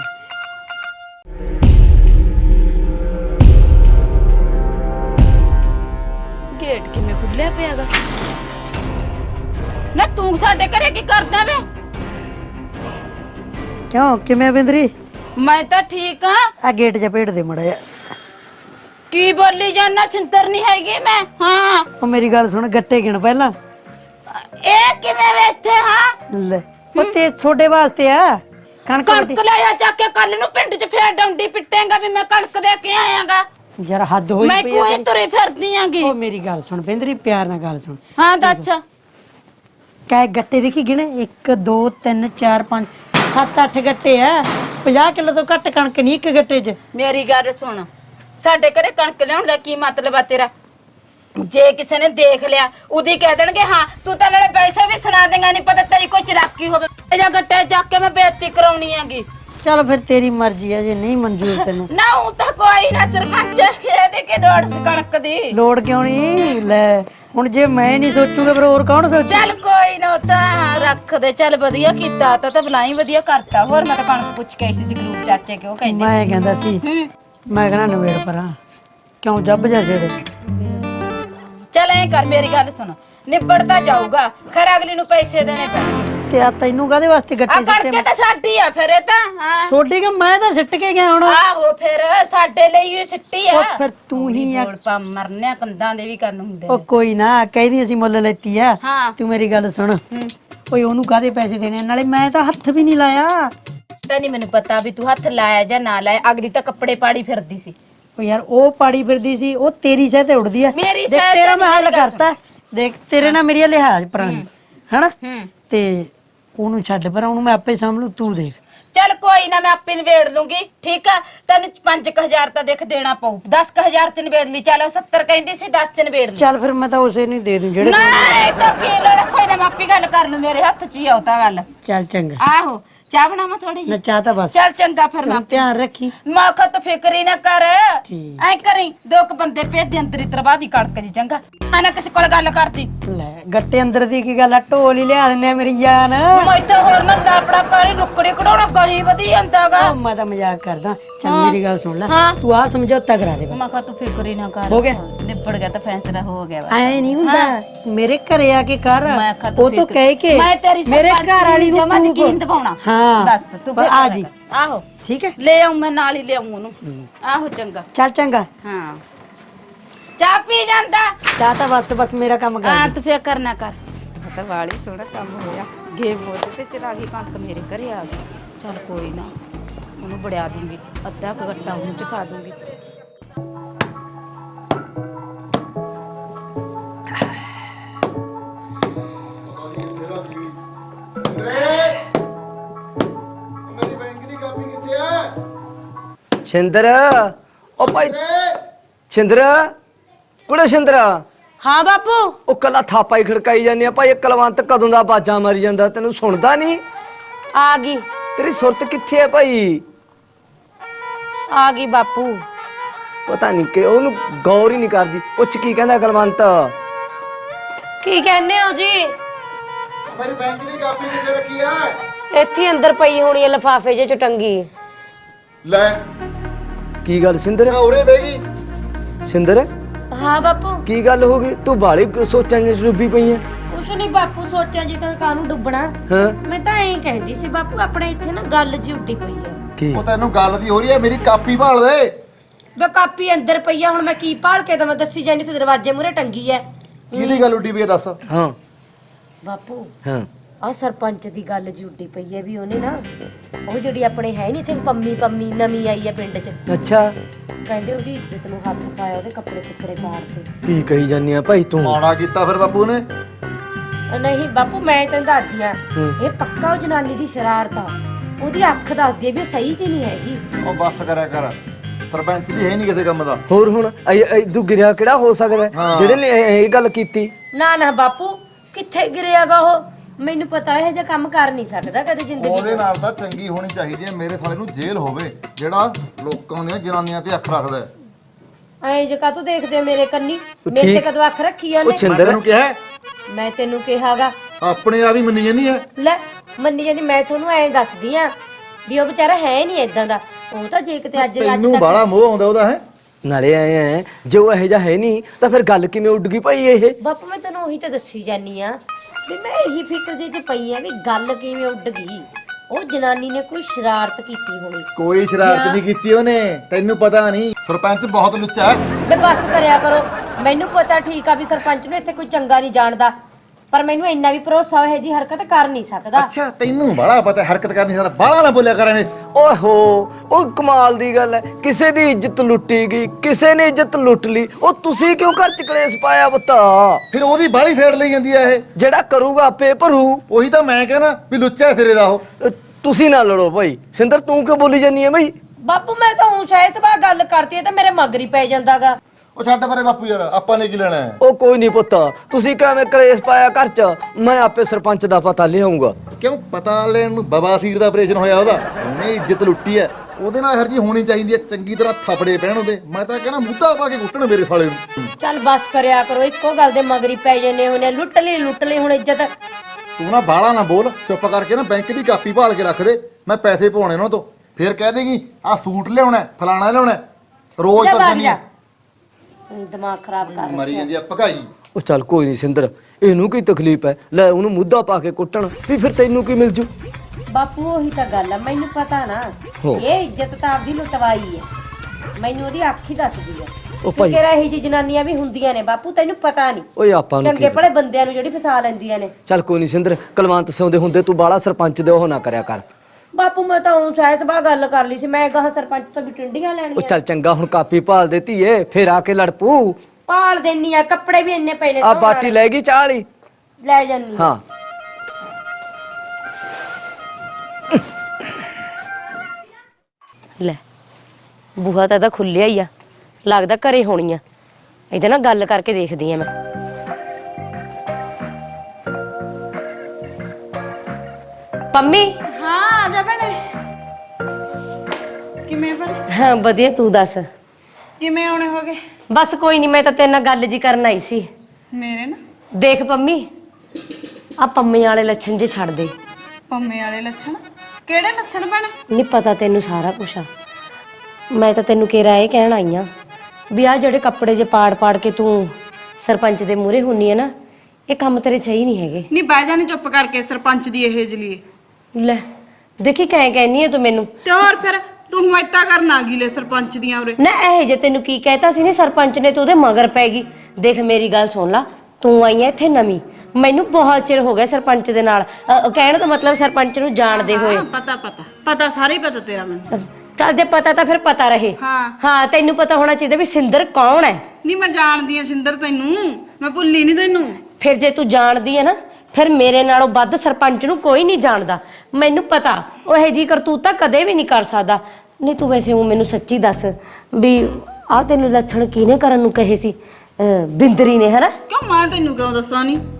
S2: ਗੇਟ ਕਿਵੇਂ ਖੁੱਲਿਆ ਪਿਆਗਾ? ਨਾ ਤੂੰ ਸਾਡੇ ਘਰੇ ਕੀ ਕਰਦਾ ਵੇ?
S1: ਕਿਉਂ ਕਿਵੇਂ ਬਿੰਦਰੀ?
S2: ਮੈਂ ਤਾਂ ਠੀਕ ਆ।
S1: ਆ ਗੇਟ 'ਚ ਭੇੜ ਦੇ ਮੜਾ ਜਾ।
S2: ਕੀ ਬੋਲੀ ਜਾਨਾ? ਛਿੰਤਰ ਨਹੀਂ ਹੈਗੀ ਮੈਂ। ਹਾਂ
S1: ਉਹ ਮੇਰੀ ਗੱਲ ਸੁਣ, ਗੱਟੇ ਗਿਣ ਪਹਿਲਾਂ।
S2: ਇਹ ਕਿਵੇਂ ਵੇ ਇੱਥੇ? ਹਾਂ
S1: ਲੈ ਉਹ ਤੇ ਤੁਹਾਡੇ ਵਾਸਤੇ ਆ, ਕਣਕ ਦੀ।
S2: ਕਣਕ ਲੈ ਜਾ ਚੱਕ ਕੇ, ਕੱਲ ਨੂੰ ਪਿੰਡ 'ਚ ਫੇਰ ਡੰਡੀ ਪਿੱਟੇਗਾ ਵੀ ਮੈਂ ਕਣਕ ਦੇ ਕੇ ਆਇਆਗਾ।
S1: ਜਰਾ ਹੱਦ ਹੋਈ
S2: ਮੈਂ
S1: ਪਈ
S2: ਕੋਈ
S1: ਆ।
S2: ਤੁਰੇ ਫਿਰਦੀ ਆਂਗੀ।
S1: ਉਹ ਮੇਰੀ ਗੱਲ ਸੁਣ ਬਿੰਦਰੀ, ਪਿਆਰ ਨਾਲ ਗੱਲ ਸੁਣ।
S2: ਹਾਂ ਤਾਂ ਅੱਛਾ
S1: ਕੈ ਗੱਟੇ ਦੇਖੀ ਗਿਣੇ? 1 2 3 4 5 7 8 ਗੱਟੇ ਆ। 50 ਕਿਲੋ ਤੋਂ ਘੱਟ ਕਣਕ ਨਹੀਂ ਇੱਕ ਗੱਟੇ 'ਚ।
S2: ਮੇਰੀ ਗੱਲ ਸੁਣ, ਸਾਡੇ ਘਰੇ ਕਣਕ ਲਿਆਉਣ ਦਾ ਕੀ ਮਤਲਬ ਆ ਤੇਰਾ? ਜੇ ਕਿਸੇ ਨੇ ਦੇਖ ਲਿਆ ਉਹਦੀ ਕਹਿ ਦੇਣਗੇ ਹਾਂ ਤੂੰ ਤਾਂ ਨਾਲੇ ਪੈਸੇ ਵੀ ਸੁਣਾ ਦੇਂਗਾ, ਨਹੀਂ ਪਤਾ ਤੇਰੀ ਕੋਈ ਚਲਾਕੀ ਹੋਵੇ। ਇਹ ਜਾਂ ਗੱਟੇ ਚੱਕ ਕੇ ਮੈਂ ਬੇਇੱਜ਼ਤੀ ਕਰਾਉਣੀ ਆਂਗੀ।
S1: ਚਲ ਫਿਰ ਤੇਰੀ ਮਰਜ਼ੀ ਆ, ਜੇ ਨਹੀਂ ਮਨਜ਼ੂਰ ਤੈਨੂੰ।
S2: ਨਾ ਉਹ ਤਾਂ ਕੋਈ ਨਾ ਸਰਪੰਚ, ਇਹਦੇ ਕੀ ਲੋੜ ਸੀ ਕਣਕ ਦੀ?
S1: ਲੋੜ ਕਿਉਂ ਨਹੀਂ? ਲੈ ਹੁਣ ਜੇ ਮੈਂ ਨਹੀਂ ਸੋਚੂਗਾ ਫਿਰ ਹੋਰ ਕੌਣ ਸੋਚੂ?
S2: ਚੱਲ ਕੋਈ ਨਾ, ਉਹ ਤਾਂ ਰੱਖ ਦੇ। ਚੱਲ ਵਧੀਆ ਕੀਤਾ, ਤਾਂ ਬਲਾਈ ਵਧੀਆ ਕਰਤਾ। ਹੋਰ ਮੈਂ ਤਾਂ ਕਣਕ ਪੁੱਛ ਕੇ ਆਈ ਸੀ ਜਗਰੂਪ ਚਾਚੇ ਕਿ ਉਹ ਕਹਿੰਦੇ
S1: ਮੈਂ ਕਹਿੰਦਾ ਸੀ,
S2: ਹੂੰ
S1: ਮੈਂ ਕਹਿੰਦਾ ਨਵੇੜ ਪਰਾਂ, ਕਿਉਂ ਜੱਬ ਜਾ ਛੇੜੇ।
S2: ਚੱਲ ਐ ਕਰ, ਮੇਰੀ ਗੱਲ ਸੁਣ, ਨਿਬੜਦਾ ਜਾਊਗਾ, ਖੈਰ ਅਗਲੀ ਨੂੰ ਪੈਸੇ ਦੇਣੇ ਪੈਣਗੇ।
S1: ਤੇ ਆ ਤੈਨੂੰ ਕਾਹਦੇ ਵਾਸਤੇ
S2: ਆ
S1: ਗੱਟੇ
S2: ਕਣਕੇ ਤਾਂ ਸਾਡੀ ਆ ਫਿਰ। ਇਹ ਤਾਂ ਹਾਂ
S1: ਛੋਡੀ ਕਿ ਮੈਂ ਤਾਂ ਸਿੱਟ ਕੇ ਗਿਆ ਹੁਣ।
S2: ਆਹੋ ਫਿਰ ਸਾਡੇ ਲਈ ਹੀ ਸਿੱਟੀ ਆ।
S1: ਉਹ ਫਿਰ ਤੂੰ ਹੀ ਆ।
S2: ਬੋਲ ਪਾ ਮਰਨਿਆ, ਕੰਦਾਂ ਦੇ ਵੀ ਕਰਨ ਹੁੰਦੇ
S1: ਉਹ
S2: ਨੇ।
S1: ਕੋਈ ਨਾ, ਕਹਿੰਦੀ ਅਸੀਂ ਮੁੱਲ ਲੈਤੀ ਆ।
S2: ਹਾਂ
S1: ਤੂੰ ਮੇਰੀ ਗੱਲ ਸੁਣ, ਓਏ ਉਹਨੂੰ ਕਾਹਦੇ ਪੈਸੇ ਦੇਣੇ? ਨਾਲੇ ਮੈਂ ਤਾਂ ਹੱਥ ਵੀ ਨਹੀਂ ਲਾਇਆ।
S2: ਤਾਂ ਨਹੀਂ ਮੈਨੂੰ ਪਤਾ ਵੀ ਤੂੰ ਹੱਥ ਲਾਇਆ ਜਾਂ ਨਾ ਲਾਇਆ। ਅਗਲੀ ਤਾਂ ਕੱਪੜੇ ਪਾੜੀ ਫਿਰਦੀ ਸੀ।
S1: ਓ ਯਾਰ ਉਹ ਪਾੜੀ ਫਿਰਦੀ ਸੀ, ਉਹ ਤੇਰੀ ਸਹਿ ਤੇ ਉੜਦੀ ਆ।
S2: ਮੇਰੀ
S1: ਦੇਖ
S2: ਸਹਿ ਤੇ
S1: ਤੇਰਾ ਮੈਂ ਹੱਲ
S2: ਮੇਰੀ ਗੱਲ
S1: ਕਰਤਾ। ਦੇਖ ਤੇਰੇ ਨਾਲ ਮੇਰੀ ਲਿਹਾਜ਼ ਪੁਰਾਣੀ, ਹਨਾ?
S2: ਹੂੰ
S1: ਤੇ ਉਹਨੂੰ ਛੱਡ ਪਰ, ਉਹਨੂੰ ਮੈਂ ਆਪੇ ਸੰਭਲੂ। ਤੂੰ ਦੇਖ।
S2: ਚੱਲ ਕੋਈ ਨਾ, ਮੈਂ ਆਪੇ ਨਿਬੇੜ ਲੂੰਗੀ। ਠੀਕ ਆ, ਤੈਨੂੰ 5000 ਤਾਂ ਦੇਖ ਦੇਣਾ ਪਊ। 10000 ਚ ਨਿਬੇੜ ਲਈ। ਚੱਲ ਉਹ 70 ਕਹਿੰਦੀ ਸੀ, 10 ਚ ਨਿਬੇੜ ਲਈ।
S1: ਚੱਲ ਫਿਰ ਮੈਂ ਤਾਂ ਉਸੇ ਨੂੰ ਹੀ ਦੇ ਦੂੰ ਜਿਹੜੇ।
S2: ਨਾ ਇਹ ਤਾਂ ਕੀ ਲੋੜ? ਕੋਈ ਨਾ, ਮੈਂ ਆਪੇ ਗੱਲ ਕਰ ਲੂ। ਮੇਰੇ ਹੱਥ 'ਚ ਹੀ ਆਉ ਤਾਂ ਗੱਲ।
S1: ਚੱਲ ਚੰਗਾ,
S2: ਆਹੋ ਚਾਹ ਬਣਾਵਾਂ ਥੋੜੀ
S1: ਨਾ
S2: ਜਿਹੀ?
S1: ਚਾਹ ਤਾਂ ਬਸ।
S2: ਚੱਲ ਚੰਗਾ ਫਿਰ। ਮੈਂ
S1: ਤੂੰ ਧਿਆਨ ਰੱਖੀ।
S2: ਮੱਖਤ ਫਿਕਰੀ ਨਾ ਕਰ।
S1: ਠੀਕ।
S2: ਐ ਕਰੀ, ਦੋ ਕੁ ਬੰਦੇ ਭੇਜ ਦੇ ਅੰਦਰ ਹੀ ਤਰਵਾ ਦੀ ਕਣਕ ਜੀ। ਚੰਗਾ ਆਨਾ ਕਿਸੇ ਕੋਲ ਗੱਲ ਕਰਦੀ।
S1: ਲੈ ਗੱਟੇ ਅੰਦਰ ਦੀ ਕੀ ਗੱਲ ਆ? ਢੋਲ ਹੀ ਲਿਆ ਦਿੰਨੇ ਆ ਮੇਰੀ ਜਾਨ।
S2: ਮੈਂ ਤਾਂ ਹੋਰ ਨਾ ਲਾਪੜਾ ਕਰੀ, ਰੁਕੜੀ ਤੂੜੀ ਕਢਾਉਣਾ ਕਹੀਂ ਵਧੀ ਜਾਂਦਾਗਾ
S1: ਉਹ ਮੈਂ ਤਾਂ ਮਜ਼ਾਕ ਕਰਦਾ ਚੱਲ ਮੇਰੀ ਗੱਲ ਸੁਣ ਲੈ
S2: ਹਾਂ।
S1: ਤੂੰ ਆ ਸਮਝੌਤਾ ਕਰਾ ਦੇ
S2: ਮੈਂ ਕਿਹਾ ਤੂੰ ਫਿਕਰ ਹੀ ਨਾ ਕਰ
S1: ਹੋ ਗਿਆ?
S2: ਨਿਬੜ ਗਿਆ ਤਾਂ ਫੈਸਲਾ ਹੋ ਗਿਆ ਵਾ
S1: ਐ ਨਹੀਂ ਹੁੰਦਾ ਮੇਰੇ ਘਰੇ ਆ ਕੇ ਕਰ
S2: ਮੈਂ ਕਿਹਾ ਤੂੰ
S1: ਉਹ ਤੋਂ
S2: ਫਿਕਰ-
S1: ਕਹਿ ਕੇ
S2: ਮੈਂ ਤੇਰੀ
S1: ਮੇਰੇ ਘਰ ਵਾਲੀ ਨੂੰ
S2: ਜਮਾ
S1: ਤੂੰ
S2: ਯਕੀਨ ਦਿਵਾਉਣਾ
S1: ਹਾਂ
S2: ਬਸ ਤੂੰ
S1: ਬਸ
S2: ਫਿਕਰ
S1: ਆ
S2: ਨਾ
S1: ਜੀ
S2: ਕਰ। ਆਹੋ
S1: ਠੀਕ ਹੈ
S2: ਲੈ ਆਉਂ ਮੈਂ ਨਾਲ ਹੀ ਲਿਆਉਂ ਉਹਨੂੰ ਆਹੋ ਚੰਗਾ
S1: ਚੱਲ ਚੰਗਾ
S2: ਹਾਂ ਚਾਹ ਪੀ ਜਾਂਦਾ
S1: ਚਾਹ ਤਾਂ ਬਸ ਮੇਰਾ ਕੰਮ ਕਰ
S2: ਹਾਂ
S1: ਦੇ।
S2: ਤੂੰ ਫਿਕਰ ਨਾ ਕਰ ਮੈਂ ਤਾਂ ਵਾਲੀ ਸੋਹਣਾ ਕੰਮ ਹੋਇਆ ਗੇਮ ਬੋਲਦੇ ਤੇ ਚਲਾ ਗਈ ਕਣਕ ਮੇਰੇ ਘਰੇ ਆ ਗਈ ਚੱਲ ਕੋਈ ਨਾ ਉਹਨੂੰ ਬੜਿਆ ਦੂੰਗੀ ਅੱਧਾ ਕੁ ਗੱਟਾ ਉਹਨੂੰ ਚਖਾ ਦੂੰਗੀ
S7: ਮੇਰੀ ਬੈਂਕ ਦੀ ਕਾਪੀ ਕਿੱਥੇ ਆ
S8: ਸ਼ਿੰਦਰ ਉਹ ਭਾਈ ਸ਼ਿੰਦਰ ਕੁੜੇ ਸ਼ਿੰਦਰ
S6: ਹਾਂ ਬਾਪੂ
S8: ਉਹ ਕੱਲਾ ਥਾਪਾ ਹੀ ਖੜਕਾਈ ਜਾਂਦੀ ਆ ਭਾਈ ਇਹ ਕਲਵੰਤ ਕਦੋਂ ਦਾ ਬਾਜਾਂ ਮਾਰੀ ਜਾਂਦਾ ਤੈਨੂੰ ਸੁਣਦਾ ਨਹੀਂ
S6: ਆ ਗਈ
S8: ਤੇਰੀ ਸੁਰਤ ਕਿੱਥੇ ਹੈ ਭਾਈ
S6: ਆ ਗਈ ਬਾਪੂ
S8: ਪਤਾ ਨਹੀਂ ਕਿ ਉਹਨੂੰ ਗੌਰ ਹੀ ਨਹੀਂ ਕਰਦੀ ਪੁੱਛ ਕੀ ਕਹਿੰਦਾ ਕਲਵੰਤ
S6: ਕੀ ਕਹਿੰਦੇ ਹੋ ਜੀ
S7: ਮੇਰੀ ਬੈਂਕ ਦੀ ਕਾਪੀ ਕਿੱਥੇ ਰੱਖੀ ਆ
S6: ਇੱਥੇ ਹੀ ਅੰਦਰ ਪਈ ਹੋਣੀ ਹੈ ਲਿਫਾਫੇ ਜੇ ਚ ਟੰਗੀ
S7: ਲੈ
S8: ਕੀ ਗੱਲ ਸਿੰਦਰ
S7: ਮੈਂ ਉਰੇ ਬਹਿ ਗਈ
S8: ਸਿੰਦਰ
S6: ਹਾਂ ਬਾਪੂ
S8: ਕੀ ਗੱਲ ਹੋ ਗਈ ਤੂੰ ਬਾਲੀ ਸੋਚਾਂ ਚ ਡੁੱਬੀ ਪਈ ਹੈ
S6: ਕੁਛ ਨਹੀਂ ਬਾਪੂ ਸੋਚਿਆ ਜੀ ਤਾਂ ਕਾਹਨੂੰ ਡੁੱਬਣਾ
S8: ਹਾਂ
S6: ਮੈਂ ਤਾਂ ਐਂ ਕਹਿੰਦੀ ਸੀ ਬਾਪੂ ਆਪਣੇ ਇੱਥੇ ਨਾ ਗੱਲ ਜੀ ਉੱਡੀ ਪਈ ਹੈ
S8: ਕੀ
S7: ਉਹ ਤੈਨੂੰ ਗੱਲ ਦੀ ਹੋ ਰਹੀ ਹੈ ਮੇਰੀ ਕਾਪੀ ਭਾਲ ਦੇ
S6: ਵੇ ਕਾਪੀ ਅੰਦਰ ਪਈ ਆ ਹੁਣ ਮੈਂ ਕੀ ਭਾਲ ਕੇ ਦਵਾਂ ਦੱਸੀ ਜਾਨੀ ਤੇ ਦਰਵਾਜ਼ੇ ਮੂਹਰੇ ਟੰਗੀ ਐ
S7: ਕਿਹਦੀ ਗੱਲ ਉੱਡੀ ਪਈ ਹੈ ਦੱਸ
S8: ਹਾਂ
S6: ਬਾਪੂ
S8: ਹਾਂ
S6: ਆ ਸਰਪੰਚ ਦੀ ਗੱਲ ਜੀ ਉੱਡੀ ਪਈ ਐ ਵੀ ਉਹਨੇ ਨਾ ਉਹ ਜਿਹੜੀ ਆਪਣੇ ਹੈ ਨਹੀਂ ਇੱਥੇ ਪੰਮੀ ਨਵੀਂ ਆਈ ਐ ਪਿੰਡ 'ਚ
S8: ਅੱਛਾ
S6: ਕਹਿੰਦੇ ਉਹਦੀ ਇੱਜ਼ਤ ਨੂੰ ਹੱਥ ਪਾਇਆ ਉਹਦੇ ਕੱਪੜੇ ਪਾੜਤੇ
S8: ਕੀ ਕਹੀ ਜਾਂਦੀ ਆ ਭਾਈ ਤੂੰ
S7: ਮਾੜਾ ਕੀਤਾ ਫਿਰ ਬਾਪੂ ਨੇ
S6: ਨਹੀਂ ਬਾਪੂ ਮੈਂ ਤੈਨੂੰ ਦੱਸਦੀ ਆ ਇਹ ਪੱਕਾ ਉਹ ਜਨਾਨੀ ਦੀ ਸ਼ਰਾਰਤ ਆ ਉਹਦੀ ਅੱਖ ਦੱਸਦੀ ਆ ਵੀ ਇਹ ਸਹੀ ਕਿ ਨਹੀਂ ਹੈਗੀ
S7: ਉਹ ਬੱਸ ਕਰਿਆ ਕਰ ਸਰਪੰਚ ਵੀ ਹੈ ਨਹੀਂ ਕਿਸੇ ਕੰਮ ਦਾ
S8: ਹੋਰ ਹੁਣ ਇਦੂ ਗਿਰਿਆ ਕਿਹੜਾ ਹੋ ਸਕਦਾ ਹੈ,
S7: ਹਾਂ।
S8: ਜਿਹੜੇ ਨੇ ਇਹ ਗੱਲ ਕੀਤੀ
S6: ਨਾ ਬਾਪੂ ਕਿੱਥੇ ਗਿਰਿਆਗਾ ਉਹ ਮੈਨੂੰ ਪਤਾ ਇਹ ਜਿਹਾ ਕੰਮ ਕਰ ਨਹੀਂ ਸਕਦਾ ਕਦੇ ਜ਼ਿੰਦਗੀ
S7: ਉਹਦੇ
S6: 'ਚ
S7: ਨਾਲ ਤਾਂ ਚੰਗੀ ਹੋਣੀ ਚਾਹੀਦੀ ਹੈ ਮੇਰੇ ਸਾਲੇ ਨੂੰ ਜੇਲ੍ਹ ਹੋਵੇ ਜਿਹੜਾ ਲੋਕਾਂ ਦੀਆਂ ਜਨਾਨੀਆਂ ਤੇ ਅੱਖ ਰੱਖਦਾ ਹੈ
S6: ਐਂ ਜੇ ਕਾਤੋਂ ਦੇਖਦੇ ਹੋ ਮੇਰੇ ਕੰਨੀ
S8: ਉਹ
S6: ਮੇਰੇ ਤੇ
S8: ਠੀਕ-
S6: ਕਦੋਂ ਅੱਖ ਰੱਖੀ ਆ
S8: ਉਹ
S6: ਉਹਨੇ
S7: ਮੈਂ
S8: ਛਿੰਦਰ
S7: ਤੈਨੂੰ ਕਿਹਾ ਹੈ,
S6: ਮੈਂ ਤੈਨੂੰ ਕਿਹਾਗਾ
S7: ਆਪਣੇ ਆਪ ਹੀ ਮੰਨੀ ਜਾਂਦੀ ਹੈ
S6: ਲੈ ਮੰਨੀ ਜਾਂਦੀ ਮੈਂ ਤੁਹਾਨੂੰ ਐਂ ਦੱਸਦੀ ਆ ਵੀ ਉਹ ਵਿਚਾਰਾ ਹੈ ਨਹੀਂ ਇਦਾਂ ਦਾ ਉਹ ਤਾਂ ਜੇ ਕਿਤੇ ਅੱਜ
S7: ਤੈਨੂੰ
S6: ਤੱਕ
S7: ਬਾਲਾ ਮੋਹ ਆਉਂਦਾ ਉਹਦਾ ਹੈ
S8: ਨਾਲੇ ਆਏ ਆ ਜੇ ਉਹ ਇਹੋ ਜਿਹਾ ਹੈ ਨਹੀਂ ਤਾਂ ਫਿਰ ਗੱਲ ਕਿਵੇਂ ਉੱਡ ਗਈ ਭਾਈ ਇਹ
S6: ਬਾਪੂ ਮੈਂ ਤੈਨੂੰ ਉਹੀ ਤਾਂ ਦੱਸੀ ਜਾਨੀ ਆ ਵੀ ਮੈਂ ਇਹੀ ਫਿਕਰ ਜੇ ਚ ਪਈ ਆ ਵੀ ਗੱਲ ਕਿਵੇਂ ਉੱਡ ਗਈ ਉਹ ਜਨਾਨੀ ਨੇ ਕੋਈ ਸ਼ਰਾਰਤ ਕੀਤੀ ਹੋਣੀ
S7: ਕੋਈ ਸ਼ਰਾਰਤ ਨਹੀਂ ਕੀਤੀ ਉਹਨੇ ਤੈਨੂੰ ਪਤਾ ਨਹੀਂ ਸਰਪੰਚ ਬਹੁਤ ਲੁੱਚਾ ਹੈ
S6: ਵੇ ਬਸ ਕਰਿਆ ਕਰੋ ਮੈਨੂੰ ਪਤਾ ਠੀਕ ਆ ਵੀ ਸਰਪੰਚ ਨੂੰ ਇੱਥੇ ਕੋਈ ਚੰਗਾ ਨਹੀਂ ਜਾਣਦਾ ਪਰ ਮੈਨੂੰ ਇੰਨਾ ਵੀ ਭਰੋਸਾ ਹੈ ਜੀ ਹਰਕਤ ਕਰ ਨਹੀਂ ਸਕਦਾ
S7: ਅੱਛਾ ਤੈਨੂੰ ਬੜਾ ਪਤਾ ਹਰਕਤ ਕਰਨੀ ਸਾਰਾ ਬਾਲਾ ਨਾ ਬੋਲਿਆ ਕਰ ਐਵੇਂ
S8: ਓਹੋ ਉਹ ਕਮਾਲ ਦੀ ਗੱਲ ਹੈ ਕਿਸੇ ਦੀ ਇੱਜ਼ਤ ਲੁੱਟੀ ਗਈ ਕਿਸੇ ਨੇ ਇੱਜ਼ਤ ਲੁੱਟ ਲਈ ਉਹ ਤੁਸੀਂ ਕਿਉਂ ਘਰ ਚ ਕਲੇਸ਼ ਪਾਇਆ ਬਤਾ
S7: ਫਿਰ ਉਹਦੀ ਬਾਲੀ ਫੇੜ ਲਈ ਜਾਂਦੀ ਆ ਇਹ
S8: ਜਿਹੜਾ ਕਰੂਗਾ ਆਪੇ ਭਰੂ
S7: ਉਹੀ ਤਾਂ ਮੈਂ ਕਹਿੰਦਾ ਵੀ ਲੁੱਚਾ ਹੈ ਸਿਰੇ ਦਾ ਉਹ
S8: ਤੁਸੀਂ ਨਾ ਲੜੋ ਭਾਈ ਸਿੰਦਰ ਤੂੰ ਕਿਉਂ ਬੋਲੀ ਜਾਨੀ ਹੈ ਭਾਈ
S6: ਬਾਪੂ ਮੈਂ ਤਾਂ ਹੁਣ ਸਹਿ ਸੁਭਾਅ ਗੱਲ ਕਰਤੀ ਹੈ ਤਾਂ ਮੇਰੇ ਮਗਰੀ ਪੈ ਜਾਂਦਾਗਾ
S7: ਉਹ ਛੱਡ ਪਰੇ ਬਾਪੂ ਯਾਰ ਆਪਾਂ ਨੇ ਕੀ ਲੈਣਾ ਹੈ
S8: ਉਹ ਕੋਈ ਨਹੀਂ ਪੁੱਤ ਤੁਸੀਂ ਕਿਵੇਂ ਕਲੇਸ਼ ਪਾਇਆ ਘਰ ਚ ਮੈਂ ਆਪੇ ਸਰਪੰਚ ਦਾ ਪਤਾ ਲਿਆਉਂਗਾ
S7: ਕਿਉਂ ਪਤਾ ਲੈਣ ਨੂੰ ਬਵਾਸੀਰ ਦਾ ਆਪਰੇਸ਼ਨ ਹੋਇਆ ਉਹਦਾ ਉਹਨੇ ਇੱਜ਼ਤ ਲੁੱਟੀ ਹੈ ਉਹਦੇ ਨਾਲ ਹਰ ਜੀ ਹੋਣੀ ਚਾਹੀਦੀ ਹੈ ਚੰਗੀ ਤਰ੍ਹਾਂ ਥਪੜੇ ਪੈਣ ਉਹਦੇ ਮੈਂ ਤਾਂ ਕਹਿੰਦਾ ਮੁੱਦਾ ਪਾ ਕੇ ਕੁੱਟਣ ਮੇਰੇ ਸਾਲੇ ਨੂੰ
S6: ਚੱਲ ਬਸ ਕਰਿਆ ਕਰੋ ਇੱਕੋ ਗੱਲ ਦੇ ਮਗਰੀ ਪੈ ਜੰਨੇ ਹੁਣੇ ਲੁੱਟ ਲਈ ਹੁਣ ਇੱਜ਼ਤ
S7: ਤੂੰ ਨਾ ਬਾਲਾ ਨਾ ਬੋਲ ਚੁੱਪ ਕਰਕੇ ਨਾ ਬੈਂਕ ਦੀ ਕਾਪੀ ਭਾਲ ਕੇ ਰੱਖ ਦੇ ਮੈਂ ਪੈਸੇ ਪਾਉਣੇ ਉਹਨਾਂ ਤੋਂ ਫਿਰ ਕਹਿ ਦੇਗੀ ਆਹ ਸੂਟ ਲਿਆਉਣਾ ਹੈ, ਫਲਾਣਾ ਲਿਆਉਣਾ ਹੈ। ਰੋਜ਼
S6: ਜਾ
S7: ਤਾਂ
S6: ਬਾਹਰ
S7: ਜੰਨੀ
S6: ਜਾ ਦਿਮਾਗ ਖਰਾਬ ਕਰ
S7: ਮਰੀ ਜਾਂਦੀ ਆ ਭਗਾਈ
S8: ਉਹ ਚੱਲ ਕੋਈ ਨਹੀਂ ਸਿੰਦਰ ਇਹਨੂੰ ਕੀ ਤਕਲੀਫ ਹੈ ਲੈ ਉਹਨੂੰ ਮੁੱਦਾ ਪਾ ਕੇ ਕੁੱਟਣ ਵੀ ਫਿਰ ਤੈਨੂੰ ਕੀ ਮਿਲ ਜੂ
S6: ਬਾਪੂ ਉਹੀ ਤਾਂ ਗੱਲ ਆ ਮੈਨੂੰ ਪਤਾ ਨਾ
S8: ਹੋ।
S6: ਇਹ ਇੱਜ਼ਤ ਤਾਂ ਆਪਦੀ ਲੁਟਵਾਈ ਹੈ ਮੈਨੂੰ ਉਹਦੀ ਅੱਖ ਹੀ ਦੱਸਦੀ ਹੈ
S8: ਉਹ ਭਾਈ
S6: ਕਿ ਇਹੀ ਜੀ ਜਨਾਨੀਆਂ ਵੀ ਹੁੰਦੀਆਂ ਨੇ ਬਾਪੂ ਤੈਨੂੰ ਪਤਾ ਨਹੀਂ
S8: ਓਏ ਆਪਾਂ ਨੂੰ
S6: ਚੰਗੇ
S8: ਕੀ
S6: ਭਲੇ ਬੰਦਿਆਂ ਨੂੰ ਜਿਹੜੀ ਫਸਾ ਲੈਂਦੀਆਂ ਨੇ
S8: ਚੱਲ ਕੋਈ ਨਹੀਂ ਸਿੰਦਰ ਕਲਵੰਤ ਸਿਉਂਦੇ ਹੁੰਦੇ ਤੂੰ ਬਾਲਾ ਸਰਪੰਚ ਦੇ ਉਹ ਨਾ ਕਰਿਆ ਕਰ
S6: ਬਾਪੂ ਮੈਂ ਤਾਂ ਹੁਣ ਸਹਿ ਸੁਭਾਅ ਗੱਲ ਕਰ ਲਈ ਸੀ ਮੈਂ ਕਹਾ ਸਰਪੰਚ ਤੋਂ ਵੀ ਟਿੰਡੀਆਂ
S8: ਉਹ
S6: ਲੈਣੀਆਂ
S8: ਚੱਲ ਚੰਗਾ ਹੁਣ ਕਾਪੀ ਭਾਲ ਦੇ ਧੀਏ ਫਿਰ ਆ ਕੇ ਲੜ ਪੂ
S6: ਪਾਲ ਦੇਣੀ ਆ ਕੱਪੜੇ ਵੀ ਇੰਨੇ ਪਏ ਨੇ
S8: ਆ
S6: ਧੋਣ
S8: ਬਾਟੀ
S6: ਵਾਲੇ।
S8: ਲੈ ਗਈ ਚਾਹ ਵਾਲੀ
S6: ਲੈ ਜਾਨੀ
S8: ਹਾਂ
S6: ਲੈ ਬੂਹਾ ਤਾਂ ਇਹਦਾ ਖੁੱਲਿਆ ਹੀ ਆ ਲੱਗਦਾ ਘਰੇ ਹੋਣੀ ਆ ਇਹਦੇ ਨਾਲ ਗੱਲ ਕਰਕੇ ਦੇਖਦੀ ਆ ਮੈਂ ਪੰਮੀ
S4: ਹਾਂ ਆ ਜਾ ਭੈਣੇ ਕਿਵੇਂ ਭੈਣੇ
S6: ਹਾਂ ਵਧੀਆ ਤੂੰ ਦੱਸ
S4: ਕਿਵੇਂ ਆਉਣੇ ਹੋਗੇ
S6: ਬਸ ਕੋਈ ਨਹੀਂ ਮੈਂ ਤਾਂ ਤੇਰੇ ਨਾਲ ਗੱਲ ਜੀ ਕਰਨ ਆਈ ਸੀ
S4: ਮੇਰੇ ਨਾ
S6: ਦੇਖ ਪੰਮੀ ਆ ਪੰਮੇ ਵਾਲੇ ਲੱਛਣ ਜੇ ਛੱਡ ਦੇ
S4: ਪੰਮੇ ਵਾਲੇ ਲੱਛਣ ਕਿਹੜੇ ਲੱਛਣ ਭੈਣੇ?
S6: ਨਹੀਂ ਪਤਾ ਤੈਨੂੰ ਸਾਰਾ ਕੁਛ ਆ। ਮੈਂ ਤਾਂ ਤੈਨੂੰ ਕਿਹਾ ਇਹ ਕਹਿਣ ਆਈ ਆ ਵੀ ਆ ਜਿਹੜੇ ਕੱਪੜੇ ਜੇ ਪਾੜ ਕੇ ਤੂੰ ਸਰਪੰਚ ਦੇ ਮੂਹਰੇ ਹੁੰਨੀ ਆ ਨਾ, ਇਹ ਕੰਮ ਤੇਰੇ ਸਹੀ ਨਹੀਂ ਹੈਗੇ।
S4: ਨਹੀਂ ਬਹਿ ਜਾ ਨੀ ਚੁੱਪ ਕਰਕੇ, ਸਰਪੰਚ ਦੀ ਇਹ ਜਲੀਏ।
S6: ਲੈ ਦੇਖੀ ਕਹਿਨੀ ਆ ਤੂੰ ਮੈਨੂੰ।
S4: ਤੇ ਹੋਰ ਫਿਰ ਤੂੰ ਹਮਾਇਤਾਂ ਕਰਨ ਆ ਗਈ ਲੈ ਸਰਪੰਚ ਦੀਆਂ ਉਰੇ।
S6: ਨਾ ਇਹ ਜੇ ਤੈਨੂੰ ਕੀ ਕਹਿਤਾ ਸੀ ਨੀ ਸਰਪੰਚ ਨੇ, ਤੂੰ ਉਹਦੇ ਮਗਰ ਪੈ ਗਈ। ਦੇਖ ਮੇਰੀ ਗੱਲ ਸੁਣ ਲਾ, ਤੂੰ ਆਈ ਐ ਇੱਥੇ ਨਵੀਂ, ਮੈਨੂੰ ਬਹੁਤ ਚਿਰ ਹੋ ਗਿਆ ਸਰਪੰਚ ਦੇ ਨਾਲ ਕਹਿਣ ਦਾ ਮਤਲਬ ਸਰਪੰਚ ਨੂੰ ਜਾਣਦੇ ਹੋਏ।
S4: ਪਤਾ ਸਾਰਾ ਹੀ ਪਤਾ ਤੇਰਾ ਮੈਨੂੰ।
S6: ਚੱਲ ਜੇ ਪਤਾ ਤਾਂ ਫਿਰ ਪਤਾ ਰਹੇ। ਹਾਂ ਤੈਨੂੰ ਪਤਾ ਹੋਣਾ ਚਾਹੀਦਾ ਵੀ ਸਿੰਦਰ ਕੌਣ ਹੈ।
S4: ਨਹੀਂ ਮੈਂ ਜਾਣਦੀ ਆ ਸਿੰਦਰ, ਤੈਨੂੰ ਮੈਂ ਭੁੱਲੀ ਨਹੀਂ ਤੈਨੂੰ।
S6: ਫਿਰ ਜੇ ਤੂੰ ਜਾਣਦੀ ਹੈ ਨਾ, ਫਿਰ ਮੇਰੇ ਨਾਲੋਂ ਵੱਧ ਸਰਪੰਚ ਨੂੰ ਕੋਈ ਨਹੀਂ ਜਾਣਦਾ। ਮੈਨੂੰ ਪਤਾ ਉਹ ਇਹ ਜੀ ਕਰਤੂਤ ਤਾਂ ਕਦੇ ਵੀ ਨਹੀਂ ਕਰ ਸਕਦਾ। ਨਹੀਂ ਤੂੰ ਵੈਸੇ ਉਹ ਮੈਨੂੰ ਸੱਚੀ ਦੱਸ ਵੀ ਆਹ ਤੈਨੂੰ ਲੱਛਣ ਕਿਹਨੇ ਕਰਨ ਨੂੰ ਕਹੇ ਸੀ? ਬਿੰਦਰੀ ਨੇ, ਹਨਾ?
S4: ਕਿਉਂ ਮੈਂ ਤੈਨੂੰ ਕਿਉਂ ਦੱਸਾਂ?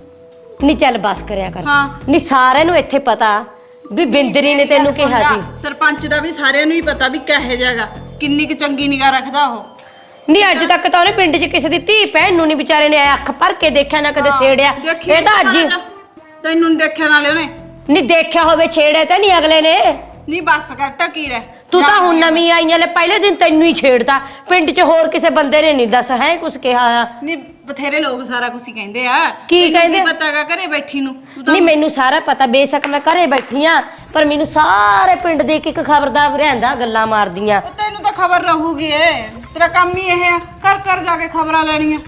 S6: ਨਹੀਂ ਚੱਲ ਬਸ ਕਰਿਆ ਕਰ। ਨਹੀਂ ਸਾਰਿਆਂ ਨੂੰ ਇੱਥੇ ਪਤਾ ਵੀ ਬਿੰਦਰੀ ਨੇ ਤੈਨੂੰ ਕਿਹਾ ਸੀ।
S4: ਸਰਪੰਚ ਦਾ ਵੀ ਸਾਰਿਆਂ ਨੂੰ ਹੀ ਪਤਾ ਵੀ ਕਹੇ ਜਾਗਾ, ਕਿੰਨੀ ਕੁ ਚੰਗੀ ਨਿਗਾਹ ਰੱਖਦਾ ਉਹ।
S6: ਨਹੀਂ ਅੱਜ ਤੱਕ ਤਾਂ ਉਹਨੇ ਪਿੰਡ 'ਚ ਕਿਸੇ ਦੀ ਧੀ ਭੈਣ ਨੂੰ ਨਹੀਂ ਵਿਚਾਰੇ ਨੇ ਅੱਖ ਭਰ ਕੇ ਦੇਖਿਆ, ਨਾ ਕਦੇ ਛੇੜਿਆ। ਇਹ ਤਾਂ ਅੱਜ
S4: ਤੈਨੂੰ ਨੀ ਦੇਖਿਆ ਨਾਲੇ ਉਹਨੇ।
S6: ਨਹੀਂ ਦੇਖਿਆ ਹੋਵੇ, ਛੇੜਿਆ ਤਾਂ ਨਹੀਂ ਅਗਲੇ ਨੇ।
S4: ਨਹੀਂ ਬਸ ਕਰ, ਟਕੀ ਰਹਿ।
S6: ਤੂੰ ਤਾਂ ਹੁਣ ਨਵੀਂ ਆਈਆਂ ਲੈ, ਪਹਿਲੇ ਦਿਨ ਤੈਨੂੰ ਹੀ ਛੇੜਦਾ। ਪਿੰਡ 'ਚ ਹੋਰ ਕਿਸੇ ਬੰਦੇ ਨੇ ਨਹੀਂ ਦੱਸ ਹੈ ਕੁਛ ਕਿਹਾ ਆ।
S4: ਨਹੀਂ ਬਥੇਰੇ ਲੋਕ ਸਾਰਾ ਕੁਝ ਹੀ ਕਹਿੰਦੇ ਆ।
S6: ਕੀ ਕਹਿੰਦੇ?
S4: ਪਤਾਗਾ ਘਰੇ ਬੈਠੀ ਨੂੰ।
S6: ਨਹੀਂ ਮੈਨੂੰ ਸਾਰਾ ਪਤਾ, ਬੇਸ਼ੱਕ ਮੈਂ ਘਰੇ ਬੈਠੀ ਆ, ਪਰ ਮੈਨੂੰ ਸਾਰੇ ਪਿੰਡ ਦੇ ਇੱਕ ਖਬਰਦਾਰ ਰਹਿੰਦਾ ਗੱਲਾਂ ਮਾਰਦੀਆਂ।
S4: ਤੈਨੂੰ ਤਾਂ ਖਬਰ ਰਹੂਗੀ ਏ, ਤੇਰਾ ਕੰਮ ਹੀ ਇਹ ਆ, ਘਰ ਜਾ ਕੇ ਖਬਰਾਂ ਲੈਣੀਆਂ।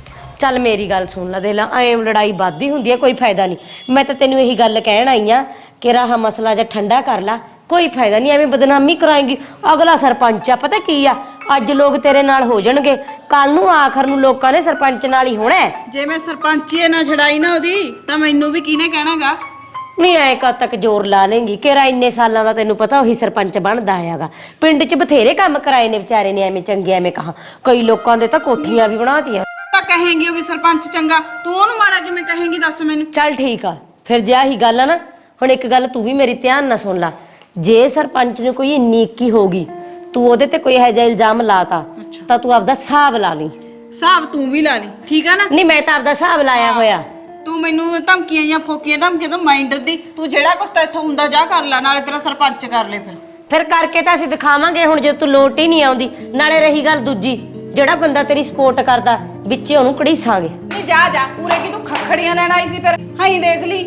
S6: ਚੱਲ ਮੇਰੀ ਗੱਲ ਸੁਣ ਲੈ, ਦੇ ਲਾ ਐਂ ਲੜਾਈ ਵੱਧਦੀ ਹੁੰਦੀ ਹੈ, ਕੋਈ ਫਾਇਦਾ ਨਹੀਂ। ਮੈਂ ਤਾਂ ਤੈਨੂੰ ਇਹੀ ਗੱਲ ਕਹਿਣ ਆਈ ਆ ਕਿ ਰਾਹ ਮਸਲਾ ਜਿਹਾ ਠੰਡਾ ਕਰ ਲਾ, ਕੋਈ ਫਾਇਦਾ ਨਹੀਂ, ਐਵੇਂ ਬਦਨਾਮੀ ਕਰਾਏਂਗੀ। ਅਗਲਾ ਸਰਪੰਚ ਆ, ਪਤਾ ਕੀ ਆ, ਅੱਜ ਲੋਕ ਤੇਰੇ ਨਾਲ ਹੋ ਜਾਣਗੇ, ਕੱਲ ਨੂੰ ਆਖਰ ਨੂੰ ਲੋਕਾਂ ਨੇ ਸਰਪੰਚ ਨਾਲ ਹੀ ਹੋਣਾ।
S4: ਜੇ ਮੈਂ ਸਰਪੰਚੀ ਨਾ ਛਡਾਈ ਨਾ ਉਹਦੀ, ਤਾਂ ਮੈਨੂੰ ਵੀ ਕਿਹਨੇ ਕਹਿਣਾਗਾ?
S6: ਨਹੀਂ ਐ ਕਦ ਤੱਕ ਜ਼ੋਰ ਲਾ ਲੇਂਗੀ? ਕਿਹੜਾ ਇੰਨੇ ਸਾਲਾਂ ਦਾ ਤੈਨੂੰ ਪਤਾ ਉਹੀ ਸਰਪੰਚ ਬਣਦਾ ਆਇਆਗਾ। ਪਿੰਡ 'ਚ ਬਥੇਰੇ ਕੰਮ ਕਰਾਏ ਨੇ ਵਿਚਾਰੇ ਨੇ, ਐਵੇਂ ਚੰਗੇ ਐਵੇਂ ਕਹਾ, ਕਈ ਲੋਕਾਂ ਦੇ ਤਾਂ ਕੋਠੀਆਂ ਵੀ ਬਣਾਤੀਆਂ।
S4: ਤਾਂ ਕਹੇਂਗੀ ਉਹ ਵੀ ਸਰਪੰਚ ਚੰਗਾ, ਤੂੰ ਉਹਨੂੰ ਮਾੜਾ ਕਿਵੇਂ ਕਹੇਂਗੀ ਦੱਸ ਮੈਨੂੰ?
S6: ਚੱਲ ਠੀਕ ਆ, ਫਿਰ ਜੇ ਆਹੀ ਗੱਲ ਆ ਨਾ, ਹੁਣ ਇੱਕ ਗੱਲ ਤੂੰ ਵੀ ਮੇਰੀ ਧਿਆਨ ਨਾਲ ਸੁਣ ਲਾ। ਜੇ ਸਰਪੰਚ ਨੂੰ ਕੋਈ ਨੀਕੀ ਹੋਗੀ, ਤੂੰ ਉਹਦੇ ਤੇ ਕੋਈ ਇਹੋ ਜਿਹਾ ਇਲਜ਼ਾਮ ਲਾਤਾ, ਤਾਂ ਤੂੰ ਆਪਦਾ ਹਿਸਾਬ ਲਾ ਲਈ।
S4: ਹਿਸਾਬ ਤੂੰ ਵੀ ਲਾ ਲਈ, ਠੀਕ ਆ ਨਾ?
S6: ਨਹੀਂ ਮੈਂ ਤਾਂ ਆਪਦਾ ਹਿਸਾਬ ਲਾਇਆ ਹੋਇਆ।
S4: ਤੂੰ ਮੈਨੂੰ ਧਮਕੀਆਂ ਜਾਂ ਫੋਕੀਆਂ ਧਮਕੀਆਂ ਤੋਂ ਮਾਈਂਡਰ ਦੀ, ਤੂੰ ਜਿਹੜਾ ਕੁਛ ਤਾਂ ਇੱਥੋਂ ਹੁੰਦਾ ਜਾ ਕਰ ਲੈ, ਨਾਲੇ ਤੇਰਾ ਸਰਪੰਚ ਕਰ ਲੈ।
S6: ਫਿਰ ਕਰਕੇ ਤਾਂ ਅਸੀਂ ਦਿਖਾਵਾਂਗੇ ਹੁਣ, ਜੇ ਤੂੰ ਲੋਟ ਹੀ ਨਹੀਂ ਆਉਂਦੀ। ਨਾਲੇ ਰਹੀ ਗੱਲ ਦੂਜੀ, ਜਿਹੜਾ ਬੰਦਾ ਤੇਰੀ ਸਪੋਰਟ ਕਰਦਾ ਵਿੱਚੇ ਉਹਨੂੰ ਘੜੀਸਾਂਗੇ।
S4: ਨਹੀਂ ਜਾ ਪੂਰੇ ਕੀ ਤੂੰ ਖੱਖੜੀਆਂ ਲੈਣ ਆਈ ਸੀ? ਫਿਰ ਹਾਈ ਦੇਖ ਲਈ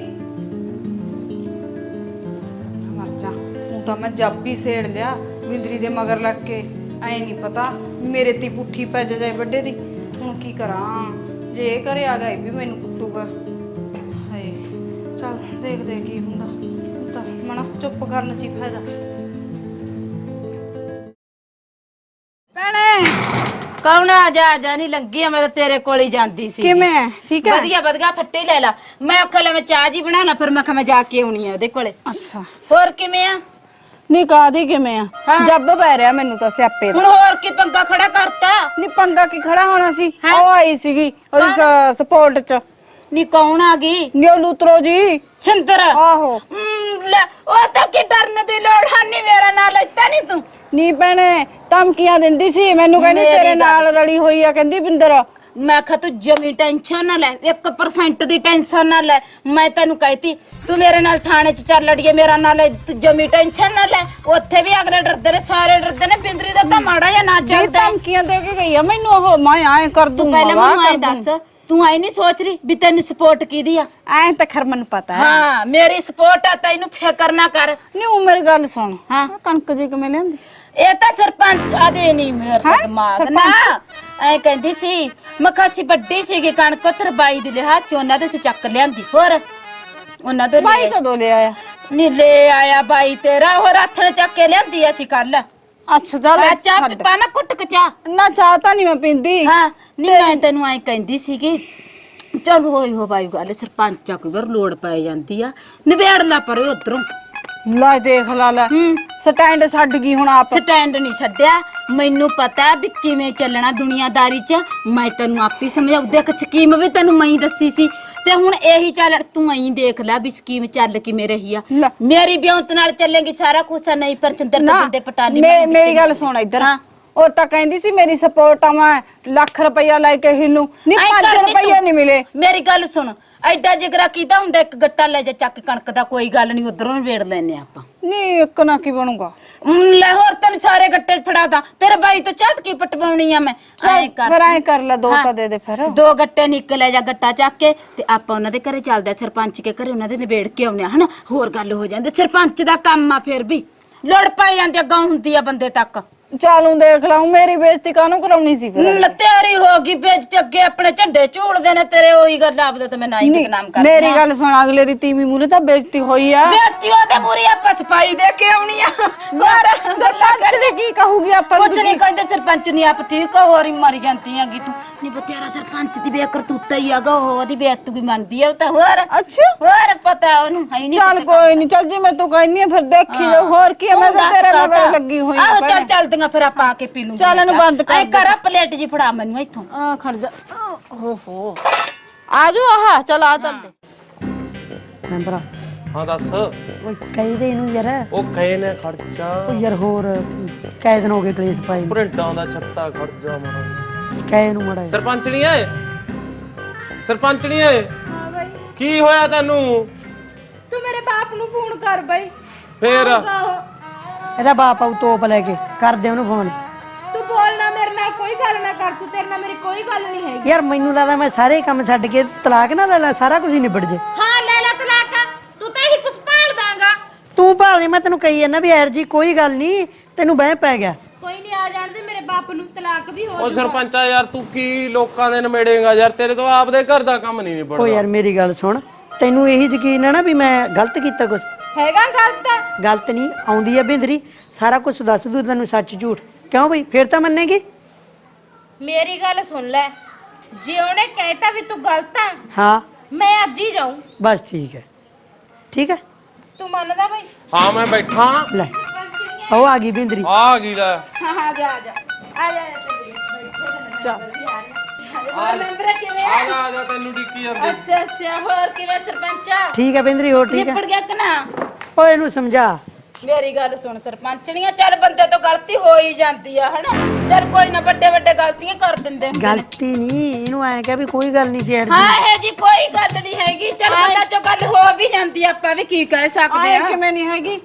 S4: ਮਰ ਜਾ। ਤੂੰ ਤਾਂ ਮੈਂ ਜੱਬ ਹੀ ਸੇੜ ਲਿਆ ਵਿੰਦਰੀ ਦੇ ਮਗਰ ਲੱਗ ਕੇ। ਐ ਨਹੀਂ ਪਤਾ ਮੇਰੇ ਤੇ ਪੁੱਠੀ ਪੈ ਜਾਏ ਵੱਡੇ ਦੀ। ਹੁਣ ਕੀ ਕਰਾਂ? ਜੇ ਇਹ ਘਰੇ ਆ ਗਿਆ ਇਹ ਵੀ ਮੈਨੂੰ ਕੁੱਟੂਗਾ। ਹਾਏ ਚੱਲ ਦੇਖਦੇ ਕੀ ਹੁੰਦਾ। ਤਾਂ ਮਣਾ ਚੁੱਪ ਕਰਨ ਚ ਹੀ ਫਾਇਦਾ। ਭੈਣੇ
S2: ਕੌਣ? ਆ ਜਾ ਨਹੀਂ ਲੰਗੀ ਆ, ਮੈਂ ਤਾਂ ਤੇਰੇ ਕੋਲ ਹੀ ਜਾਂਦੀ ਸੀ।
S4: ਕਿਵੇਂ? ਠੀਕ ਹੈ?
S2: ਵਧੀਆ ਫੱਟੇ ਲੈ ਲਾ। ਮੈਂ ਆਖਿਆ ਲੈ ਮੈਂ ਚਾਹ ਜੀ ਬਣਾ ਲਾ, ਫਿਰ ਮੈਂ ਕਿਹਾ ਮੈਂ ਜਾ ਕੇ ਆਉਣੀ ਆ ਉਹਦੇ ਕੋਲੇ।
S4: ਅੱਛਾ
S2: ਹੋਰ ਕਿਵੇਂ ਆ?
S4: ਨਹੀਂ ਕਾਦੀ ਕਿਵੇਂ ਆ? ਜੱਬ ਪੈ ਰਿਹਾ ਮੈਨੂੰ ਤਾਂ ਸਿਆਪੇ ਦਾ।
S2: ਹੁਣ ਹੋਰ ਕੀ ਪੰਗਾ ਖੜਾ ਕਰਤਾ?
S4: ਨਹੀਂ ਪੰਗਾ ਕੀ ਖੜਾ ਹੋਣਾ ਸੀ, ਉਹ ਆਈ ਸੀਗੀ ਉਹਦੀ ਸਪੋਰਟ ਚ।
S2: ਨੀ ਕੌਣ ਆ ਗਈ?
S4: ਨਿਓ ਲੂਤਰੋ ਜੀ।
S2: ਸਿੰਦਰ?
S4: ਆਹੋ।
S2: ਲੈ ਉਹ ਤਾਂ ਕੀ ਡਰਨ ਦੀ ਲੋੜ ਨਹੀਂ, ਮੇਰਾ ਨਾਂ ਲੈਤਾ ਨਹੀਂ ਤੂੰ।
S4: ਨੀ ਭੈਣੇ ਧਮਕੀਆਂ ਦਿੰਦੀ ਸੀ ਮੈਨੂੰ, ਕਹਿੰਦੀ ਤੇਰੇ ਨਾਲ ਰਲੀ ਹੋਈ ਆ, ਕਹਿੰਦੀ ਬਿੰਦਰ।
S2: ਮੈਂ ਕਿਹਾ ਤੂੰ ਜਮੀ ਟੈਨਸ਼ਨ ਨਾ ਲੈ, 1% ਦੀ ਟੈਨਸ਼ਨ ਨਾ ਲੈ। ਮੈਂ ਤੈਨੂੰ ਕਹਿਤੀ ਤੂੰ ਮੇਰੇ ਨਾਲ ਥਾਣੇ 'ਚ ਚੱਲ ਲੜੀਏ, ਮੇਰਾ ਨਾਲ ਤੂੰ ਜਮੀ ਟੈਨਸ਼ਨ ਨਾ ਲੈ। ਉੱਥੇ ਵੀ ਅਗਲੇ ਡਰਦੇ ਨੇ, ਸਾਰੇ ਡਰਦੇ ਨੇ। ਬਿੰਦਰੀ ਦਾ ਤਾਂ ਮਾੜਾ ਜਾਂ ਨਾ ਚੱਲਦਾ।
S4: ਧਮਕੀਆਂ ਦੇ ਕੇ ਗਈ ਆ ਮੈਨੂੰ ਉਹ, ਮੈਂ ਐ ਕਰ ਦੂੰ।
S2: ਪਹਿਲਾਂ ਮੈਨੂੰ ਐ ਦੱਸ, ਤੂੰ ਐ ਨਹੀਂ ਸੋਚ ਰਹੀ ਵੀ ਤੈਨੂੰ ਸਪੋਰਟ ਕੀਦੀ ਆ?
S4: ਐ ਤਾਂ ਖਰ ਮੈਨੂੰ ਪਤਾ ਹੈ।
S2: ਹਾਂ ਮੇਰੀ ਸਪੋਰਟ ਆ, ਤੈਨੂੰ ਫਿਕਰ ਨਾ ਕਰ।
S4: ਨਹੀਂ ਉਹ ਮੇਰੀ ਗੱਲ ਸੁਣ।
S2: ਹਾਂ
S4: ਕਣਕ ਜੀ ਕਿਵੇਂ ਲਿਆਂਦੀ?
S2: ਇਹ ਤਾਂ ਸਰਪੰਚ ਆਦੇ ਨਹੀਂ, ਮੇਰਾ ਦਿਮਾਗ ਨਾ ਐ ਕਹਿੰਦੀ ਸੀ। ਮੈਂ ਕਿਹਾ ਸੀ ਵੱਡੀ ਸੀਗੀ ਕਣਕ, ਤੇਰੇ ਬਾਈ ਦੇ ਲਿਹਾਜ਼ ਚ ਉਹਨਾਂ ਦੇ ਸੇ ਚੱਕ ਲਿਆਂਦੀ। ਹੋਰ ਉਹਨਾਂ ਦੇ
S4: ਬਾਈ ਕਦੋਂ ਲੈ ਆਇਆ?
S2: ਨਹੀਂ ਲੈ ਆਇਆ ਬਾਈ ਤੇਰਾ, ਹੋਰ ਹੱਥ ਨੇ ਚੱਕ ਕੇ ਲਿਆਂਦੀ ਆ ਸੀ ਕੱਲ।
S4: ਅੱਛਾ ਚੱਲ
S2: ਚਾਹ ਪਾ ਮੈਂ ਕੁੱਟ ਕੇ ਚਾਹ।
S4: ਨਾ ਚਾਹ ਤਾਂ ਨਹੀਂ ਮੈਂ ਪੀਂਦੀ।
S2: ਹਾਂ ਨਹੀਂ ਮੈਂ ਤੈਨੂੰ ਐ ਕਹਿੰਦੀ ਸੀਗੀ, ਚੱਲ ਹੋਈ ਹੋ ਬਾਈ ਗੱਲ, ਸਰਪੰਚ ਆ ਕੋਈ ਵਾਰ ਲੋੜ ਪੈ ਜਾਂਦੀ ਆ, ਨਿਬੇੜ ਲਾ ਪਰ ਉਧਰੋਂ।
S4: ਲੈ ਦੇਖ ਲੈ ਸਟੈਂਡ ਛੱਡ ਗਈ ਹੁਣ ਆਪ।
S2: ਸਟੈਂਡ ਨਹੀਂ ਛੱਡਿਆ, ਮੈਨੂੰ ਪਤਾ ਵੀ ਕਿਵੇਂ ਚੱਲਣਾ ਦੁਨੀਆਦਾਰੀ 'ਚ। ਮੈਂ ਤੈਨੂੰ ਆਪੀ ਸਮਝਾਉ, ਦੇਖ ਸਕੀਮ ਵੀ ਤੈਨੂੰ ਮੈਂ ਹੀ ਦੱਸੀ ਸੀ, ਤੇ ਹੁਣ ਇਹੀ ਚੱਲ ਤੂੰ ਐਂ ਦੇਖ ਲੈ ਵੀ ਸਕੀਮ ਚੱਲ ਕਿਵੇਂ ਰਹੀ ਆ। ਮੇਰੀ ਬਿਉਂਤ ਨਾਲ ਚੱਲੇਗੀ ਸਾਰਾ ਕੁਛ, ਨਹੀਂ ਪਰ ਚੰਦਰ ਤੇ ਬੰਦੇ ਪਟਾਲੀ।
S4: ਮੇਰੀ ਗੱਲ ਸੁਣ ਇੱਧਰ, ਉਹ ਤਾਂ ਕਹਿੰਦੀ ਸੀ ਮੇਰੀ ਸਪੋਰਟ ਆ, ਮੈਂ ਲੱਖ ਰੁਪਇਆ ਲੈ ਕੇ ਹਿੱਲੂ। ਨਹੀਂ 5 ਰੁਪਇਆ ਨਹੀਂ ਮਿਲੇ।
S2: ਮੇਰੀ ਗੱਲ ਸੁਣ, ਐਡਾ ਜਿਗਰਾ ਕੀਤਾ ਹੁੰਦਾ ਇੱਕ ਗੱਟਾ ਲੈ ਜਾ ਚੱਕ ਕਣਕ ਦਾ ਕੋਈ ਗੱਲ ਨਹੀਂ ਉਧਰੋਂ ਨਿਬੇੜ ਲੈਨੇ ਆਪਾਂ
S4: ਨਹੀਂ ਇੱਕ ਨਾ ਕੀ ਬਣੂਗਾ
S2: ਲੈ ਹੋਰ ਤੈਨੂੰ ਸਾਰੇ ਗੱਟੇ ਫੜਾਦਾ ਤੇਰੇ ਬਾਈ ਤੋਂ ਝਟਕੀ ਪਟਵਾਉਣੀ ਆ ਮੈਂ ਐ ਕਰ
S4: ਫਿਰ ਐ ਕਰ ਲੈ ਦੋ ਤਾਂ ਦੇ ਦੇ ਫਿਰ
S2: 2 ਗੱਟੇ ਨਿਕਲੇ ਜਾ ਗੱਟਾ ਚੱਕ ਕੇ ਤੇ ਆਪਾਂ ਉਹਨਾਂ ਦੇ ਘਰੇ ਚੱਲਦੇ ਸਰਪੰਚ ਕੇ ਘਰੇ ਉਹਨਾਂ ਦੇ ਨਿਬੇੜ ਕੇ ਆਉਨੇ ਆ ਹਨਾ ਹੋਰ ਗੱਲ ਹੋ ਜਾਂਦੀ ਸਰਪੰਚ ਦਾ ਕੰਮ ਆ ਫਿਰ ਵੀ ਲੜ ਪੈ ਜਾਂਦੀ ਅੱਗਾ ਹੁੰਦੀ ਆ ਬੰਦੇ ਤੱਕ
S4: ਚਾਲੂ ਦੇਖ ਲਾਉ ਮੇਰੀ ਬੇਇੱਜ਼ਤੀ ਕਾਹਨੂੰ ਕਰਾਉਣੀ ਸੀ ਫਿਰ
S2: ਤੇਰੀ ਹੋ ਗਈ ਬੇਇੱਜ਼ਤੀ ਅੱਗੇ ਆਪਣੇ ਝੰਡੇ ਝੂਲਦੇ ਨੇ ਤੇਰੇ ਉਹੀ ਗੱਲ ਆਪਦੇ ਤੇ ਮੈਂ ਨਹੀਂ ਬਦਨਾਮ ਕਰਦੀ
S4: ਮੇਰੀ ਗੱਲ ਸੁਣ ਅਗਲੇ ਦੀ ਤੀਵੀਂ ਮੂਰੇ ਤਾਂ ਬੇਇੱਜ਼ਤੀ ਹੋਈ ਆ
S2: ਬੇਇੱਜ਼ਤੀ ਉਹਦੇ ਮੂਰੇ ਆਪਾਂ ਸਫਾਈ ਦੇ ਕੇ ਆਉਣੀ ਆ ਯਾਰ
S4: ਸਰਪੰਚ ਦੇ ਕੀ ਕਹੂਗੀ ਆਪਾਂ
S2: ਕੁਛ ਨਹੀਂ ਕਹਿੰਦੇ ਸਰਪੰਚ ਨਹੀਂ ਆਪ ਠੀਕ ਆ ਹੋਰ ਹੀ ਮਰ ਜਾਂਦੀ ਹੈਗੀ ਤੂੰ ਨਹੀਂ ਬਤੇਰਾ ਸਰਪੰਚ ਦੀ ਬੇਕਰਤੂਤਾ ਹੀ ਆਗਾ ਉਹਦੀ ਬੇਇੱਜ਼ਤੀ ਮੰਨਦੀ ਆ ਉਹ ਤਾਂ ਹੋਰ
S4: ਅੱਛਾ
S2: ਹੋਰ ਪਤਾ ਉਹਨੂੰ ਹੈ ਨਹੀਂ
S4: ਚੱਲ ਕੋਈ ਨਹੀਂ ਚੱਲ ਜੇ ਮੈਂ ਤੂੰ ਕਹਿੰਨੀ ਆ ਫਿਰ ਦੇਖੀ ਜਾਓ ਹੋਰ ਕੀ ਆ, ਮੈਂ ਤਾਂ ਤੇਰੇ ਮਗਰ ਲੱਗੀ ਹੋਈ
S2: ਆਹੋ ਚੱਲ ਚੱਲਦੀਆਂ ਫਿਰ ਆਪਾਂ ਆ ਕੇ ਪੀ ਲੂੰਗੇ
S4: ਚੱਲ ਇਹਨੂੰ ਬੰਦ ਕਰ
S2: ਐ ਕਰ ਪਲੇਟ ਜੀ ਫੜਾ ਮੈਨੂੰ ਇੱਥੋਂ
S4: ਆ ਖੜ ਜਾ ਓਹੋ ਆਜੋ ਆਹ ਚੱਲ ਆ ਤਾਂ ਦੇ
S1: ਮੈਂਬਰਾ
S3: ਹਾਂ ਦੱਸ
S1: ਓਏ ਕਹਿੰਦੇ ਇਹਨੂੰ ਯਾਰ
S3: ਉਹ ਕਹੇ ਨੇ ਖਰਚਾ
S1: ਉਹ ਯਾਰ ਹੋਰ ਕਈ ਦਿਨ ਹੋ ਗਏ ਕਲੇਸ਼ ਪਾਏ ਨੂੰ।
S3: ਪ੍ਰਿੰਟਾਂ ਦਾ ਛੱਤਾ ਖਰਚਾ ਮਾਰਾ
S1: ਕਹਿ ਨੂੰ ਮੜਾ
S3: ਸਰਪੰਚਣੀ ਏ ਸਰਪੰਚਣੀ ਏ
S5: ਹਾਂ ਬਾਈ
S3: ਕੀ ਹੋਇਆ ਤੈਨੂੰ
S5: ਤੂੰ ਮੇਰੇ ਬਾਪ ਨੂੰ ਫੋਨ ਕਰ ਬਾਈ
S3: ਫੇਰ
S1: ਇਹਦਾ ਬਾਪ ਆਉ ਤੋਪ ਲੈ ਕੇ ਕਰਦੇ ਉਹਨੂੰ ਫੋਨ
S5: ਤੂੰ ਬੋਲਣਾ ਮੇਰੇ ਨਾਲ ਕੋਈ ਗੱਲ ਨਾ ਕਰ ਤੂੰ ਤੇਰੇ ਨਾਲ ਮੇਰੀ ਕੋਈ ਗੱਲ ਨਹੀਂ ਹੈਗੀ
S1: ਯਾਰ ਮੈਨੂੰ ਲੱਗਦਾ ਮੈਂ ਸਾਰੇ ਕੰਮ ਛੱਡ ਕੇ ਤਲਾਕ ਨਾ ਲੈ ਲੈ ਸਾਰਾ ਕੁਝ ਹੀ ਨਿਬੜ ਜੇ
S5: ਹਾਂ ਲੈ ਲੈ ਤਲਾਕ ਤੂੰ ਤਾਂ ਇਹੀ ਕੁਛ ਭਾਲ ਦਾਂਗਾ
S1: ਤੂੰ ਭਾਲ ਦੇ ਮੈਂ ਤੈਨੂੰ ਕਹੀ ਜਾਂਦਾ ਵੀ ਯਾਰ ਜੀ ਕੋਈ ਗੱਲ ਨਹੀਂ ਤੈਨੂੰ ਬਹਿ ਪੈ ਗਿਆ
S5: ਕੋਈ ਨਹੀਂ ਆ ਜਾਣ ਦੇ ਮੇਰੇ ਬਾਪ ਨੂੰ ਤਲਾਕ ਵੀ ਹੋ
S3: ਉਹ ਸਰਪੰਚਾ ਯਾਰ ਤੂੰ ਕੀ ਲੋਕਾਂ ਦੇ ਨਮੇੜੇਗਾ ਯਾਰ ਤੇਰੇ ਤੋਂ ਆਪਦੇ ਘਰ ਦਾ ਕੰਮ ਨਹੀਂ
S1: ਓ
S3: ਨਿਬੜਦਾ
S1: ਯਾਰ ਮੇਰੀ ਗੱਲ ਸੁਣ ਤੈਨੂੰ ਇਹੀ ਯਕੀਨ ਹੈ ਨਾ ਵੀ ਮੈਂ ਗਲਤ ਕੀਤਾ ਕੁਝ
S5: ਹੈਗਾ ਗਲਤ
S1: ਗਲਤ ਨਹੀਂ ਆਉਂਦੀ ਆ ਬਿੰਦਰੀ ਸਾਰਾ ਕੁਝ ਦੱਸ ਦੂ ਤੈਨੂੰ ਸੱਚ ਝੂਠ ਕਿਉਂ ਬਈ ਫੇਰ ਤਾਂ ਮੰਨੇਗੀ
S5: ਮੇਰੀ ਗੱਲ ਸੁਣ ਲੈ ਜੇ ਉਹਨੇ ਕਹਿਤਾ ਵੀ ਤੂੰ ਗਲਤ ਆ
S1: ਹਾਂ
S5: ਮੈਂ ਅੱਜ ਹੀ ਜਾਊਂ
S1: ਬਸ ਠੀਕ ਹੈ ਠੀਕ ਹੈ
S5: ਤੂੰ ਮੰਨਦਾ ਬਾਈ
S3: ਹਾਂ ਮੈਂ ਬੈਠਾ
S1: ਲੈ ਉਹ ਆ ਗਈ ਬਿੰਦਰੀ
S3: ਆ ਗਈ ਲੈ
S5: ਹਾਂ ਹਾਂ ਜਾ ਆ ਜਾ ਆ ਜਾ ਚੱਲ ਮੈਂਬਰ ਕਿਵੇਂ
S3: ਆ ਜਾ ਆ ਜਾ ਤੈਨੂੰ ਡਿੱਕੀ ਜਾਂਦੀ
S5: ਅੱਛਾ ਅੱਛਾ ਹੋਰ ਕਿਵੇਂ ਸਰਪੰਚਾ
S1: ਠੀਕ ਹੈ ਬਿੰਦਰੀ ਹੋਰ ਠੀਕ ਹੈ
S2: ਨਿਬੜ ਗਿਆ ਕਿ ਨਾ
S1: ਓਏ ਇਹਨੂੰ ਸਮਝਾ
S2: ਮੇਰੀ ਗੱਲ ਸੁਣ ਸਰਪੰਚਣੀਆਂ ਚੱਲ ਬੰਦੇ ਤੋਂ ਗਲਤੀ ਹੋ ਹੀ ਜਾਂਦੀ ਆ ਹਨਾ ਚੱਲ ਕੋਈ ਨਾ ਵੱਡੇ ਵੱਡੇ ਗਲਤੀਆਂ ਕਰ ਦਿੰਦੇ ਹੁੰਦੇ ਨੇ।
S1: ਗਲਤੀ ਨਹੀਂ ਇਹਨੂੰ ਐ ਕਿ ਵੀ ਕੋਈ ਗੱਲ ਨਹੀਂ ਸੀ ਯਾਰ
S2: ਹਾਂ ਇਹ ਜੀ ਕੋਈ ਗੱਲ ਨਹੀਂ ਹੈਗੀ ਚੱਲ ਬੰਦਾ ਚੋਂ ਗੱਲ ਹੋ ਵੀ ਜਾਂਦੀ ਆ, ਆਪਾਂ ਵੀ ਕੀ ਕਹਿ ਸਕਦੇ ਆ
S4: ਕਿਵੇਂ ਨਹੀਂ ਹੈਗੀ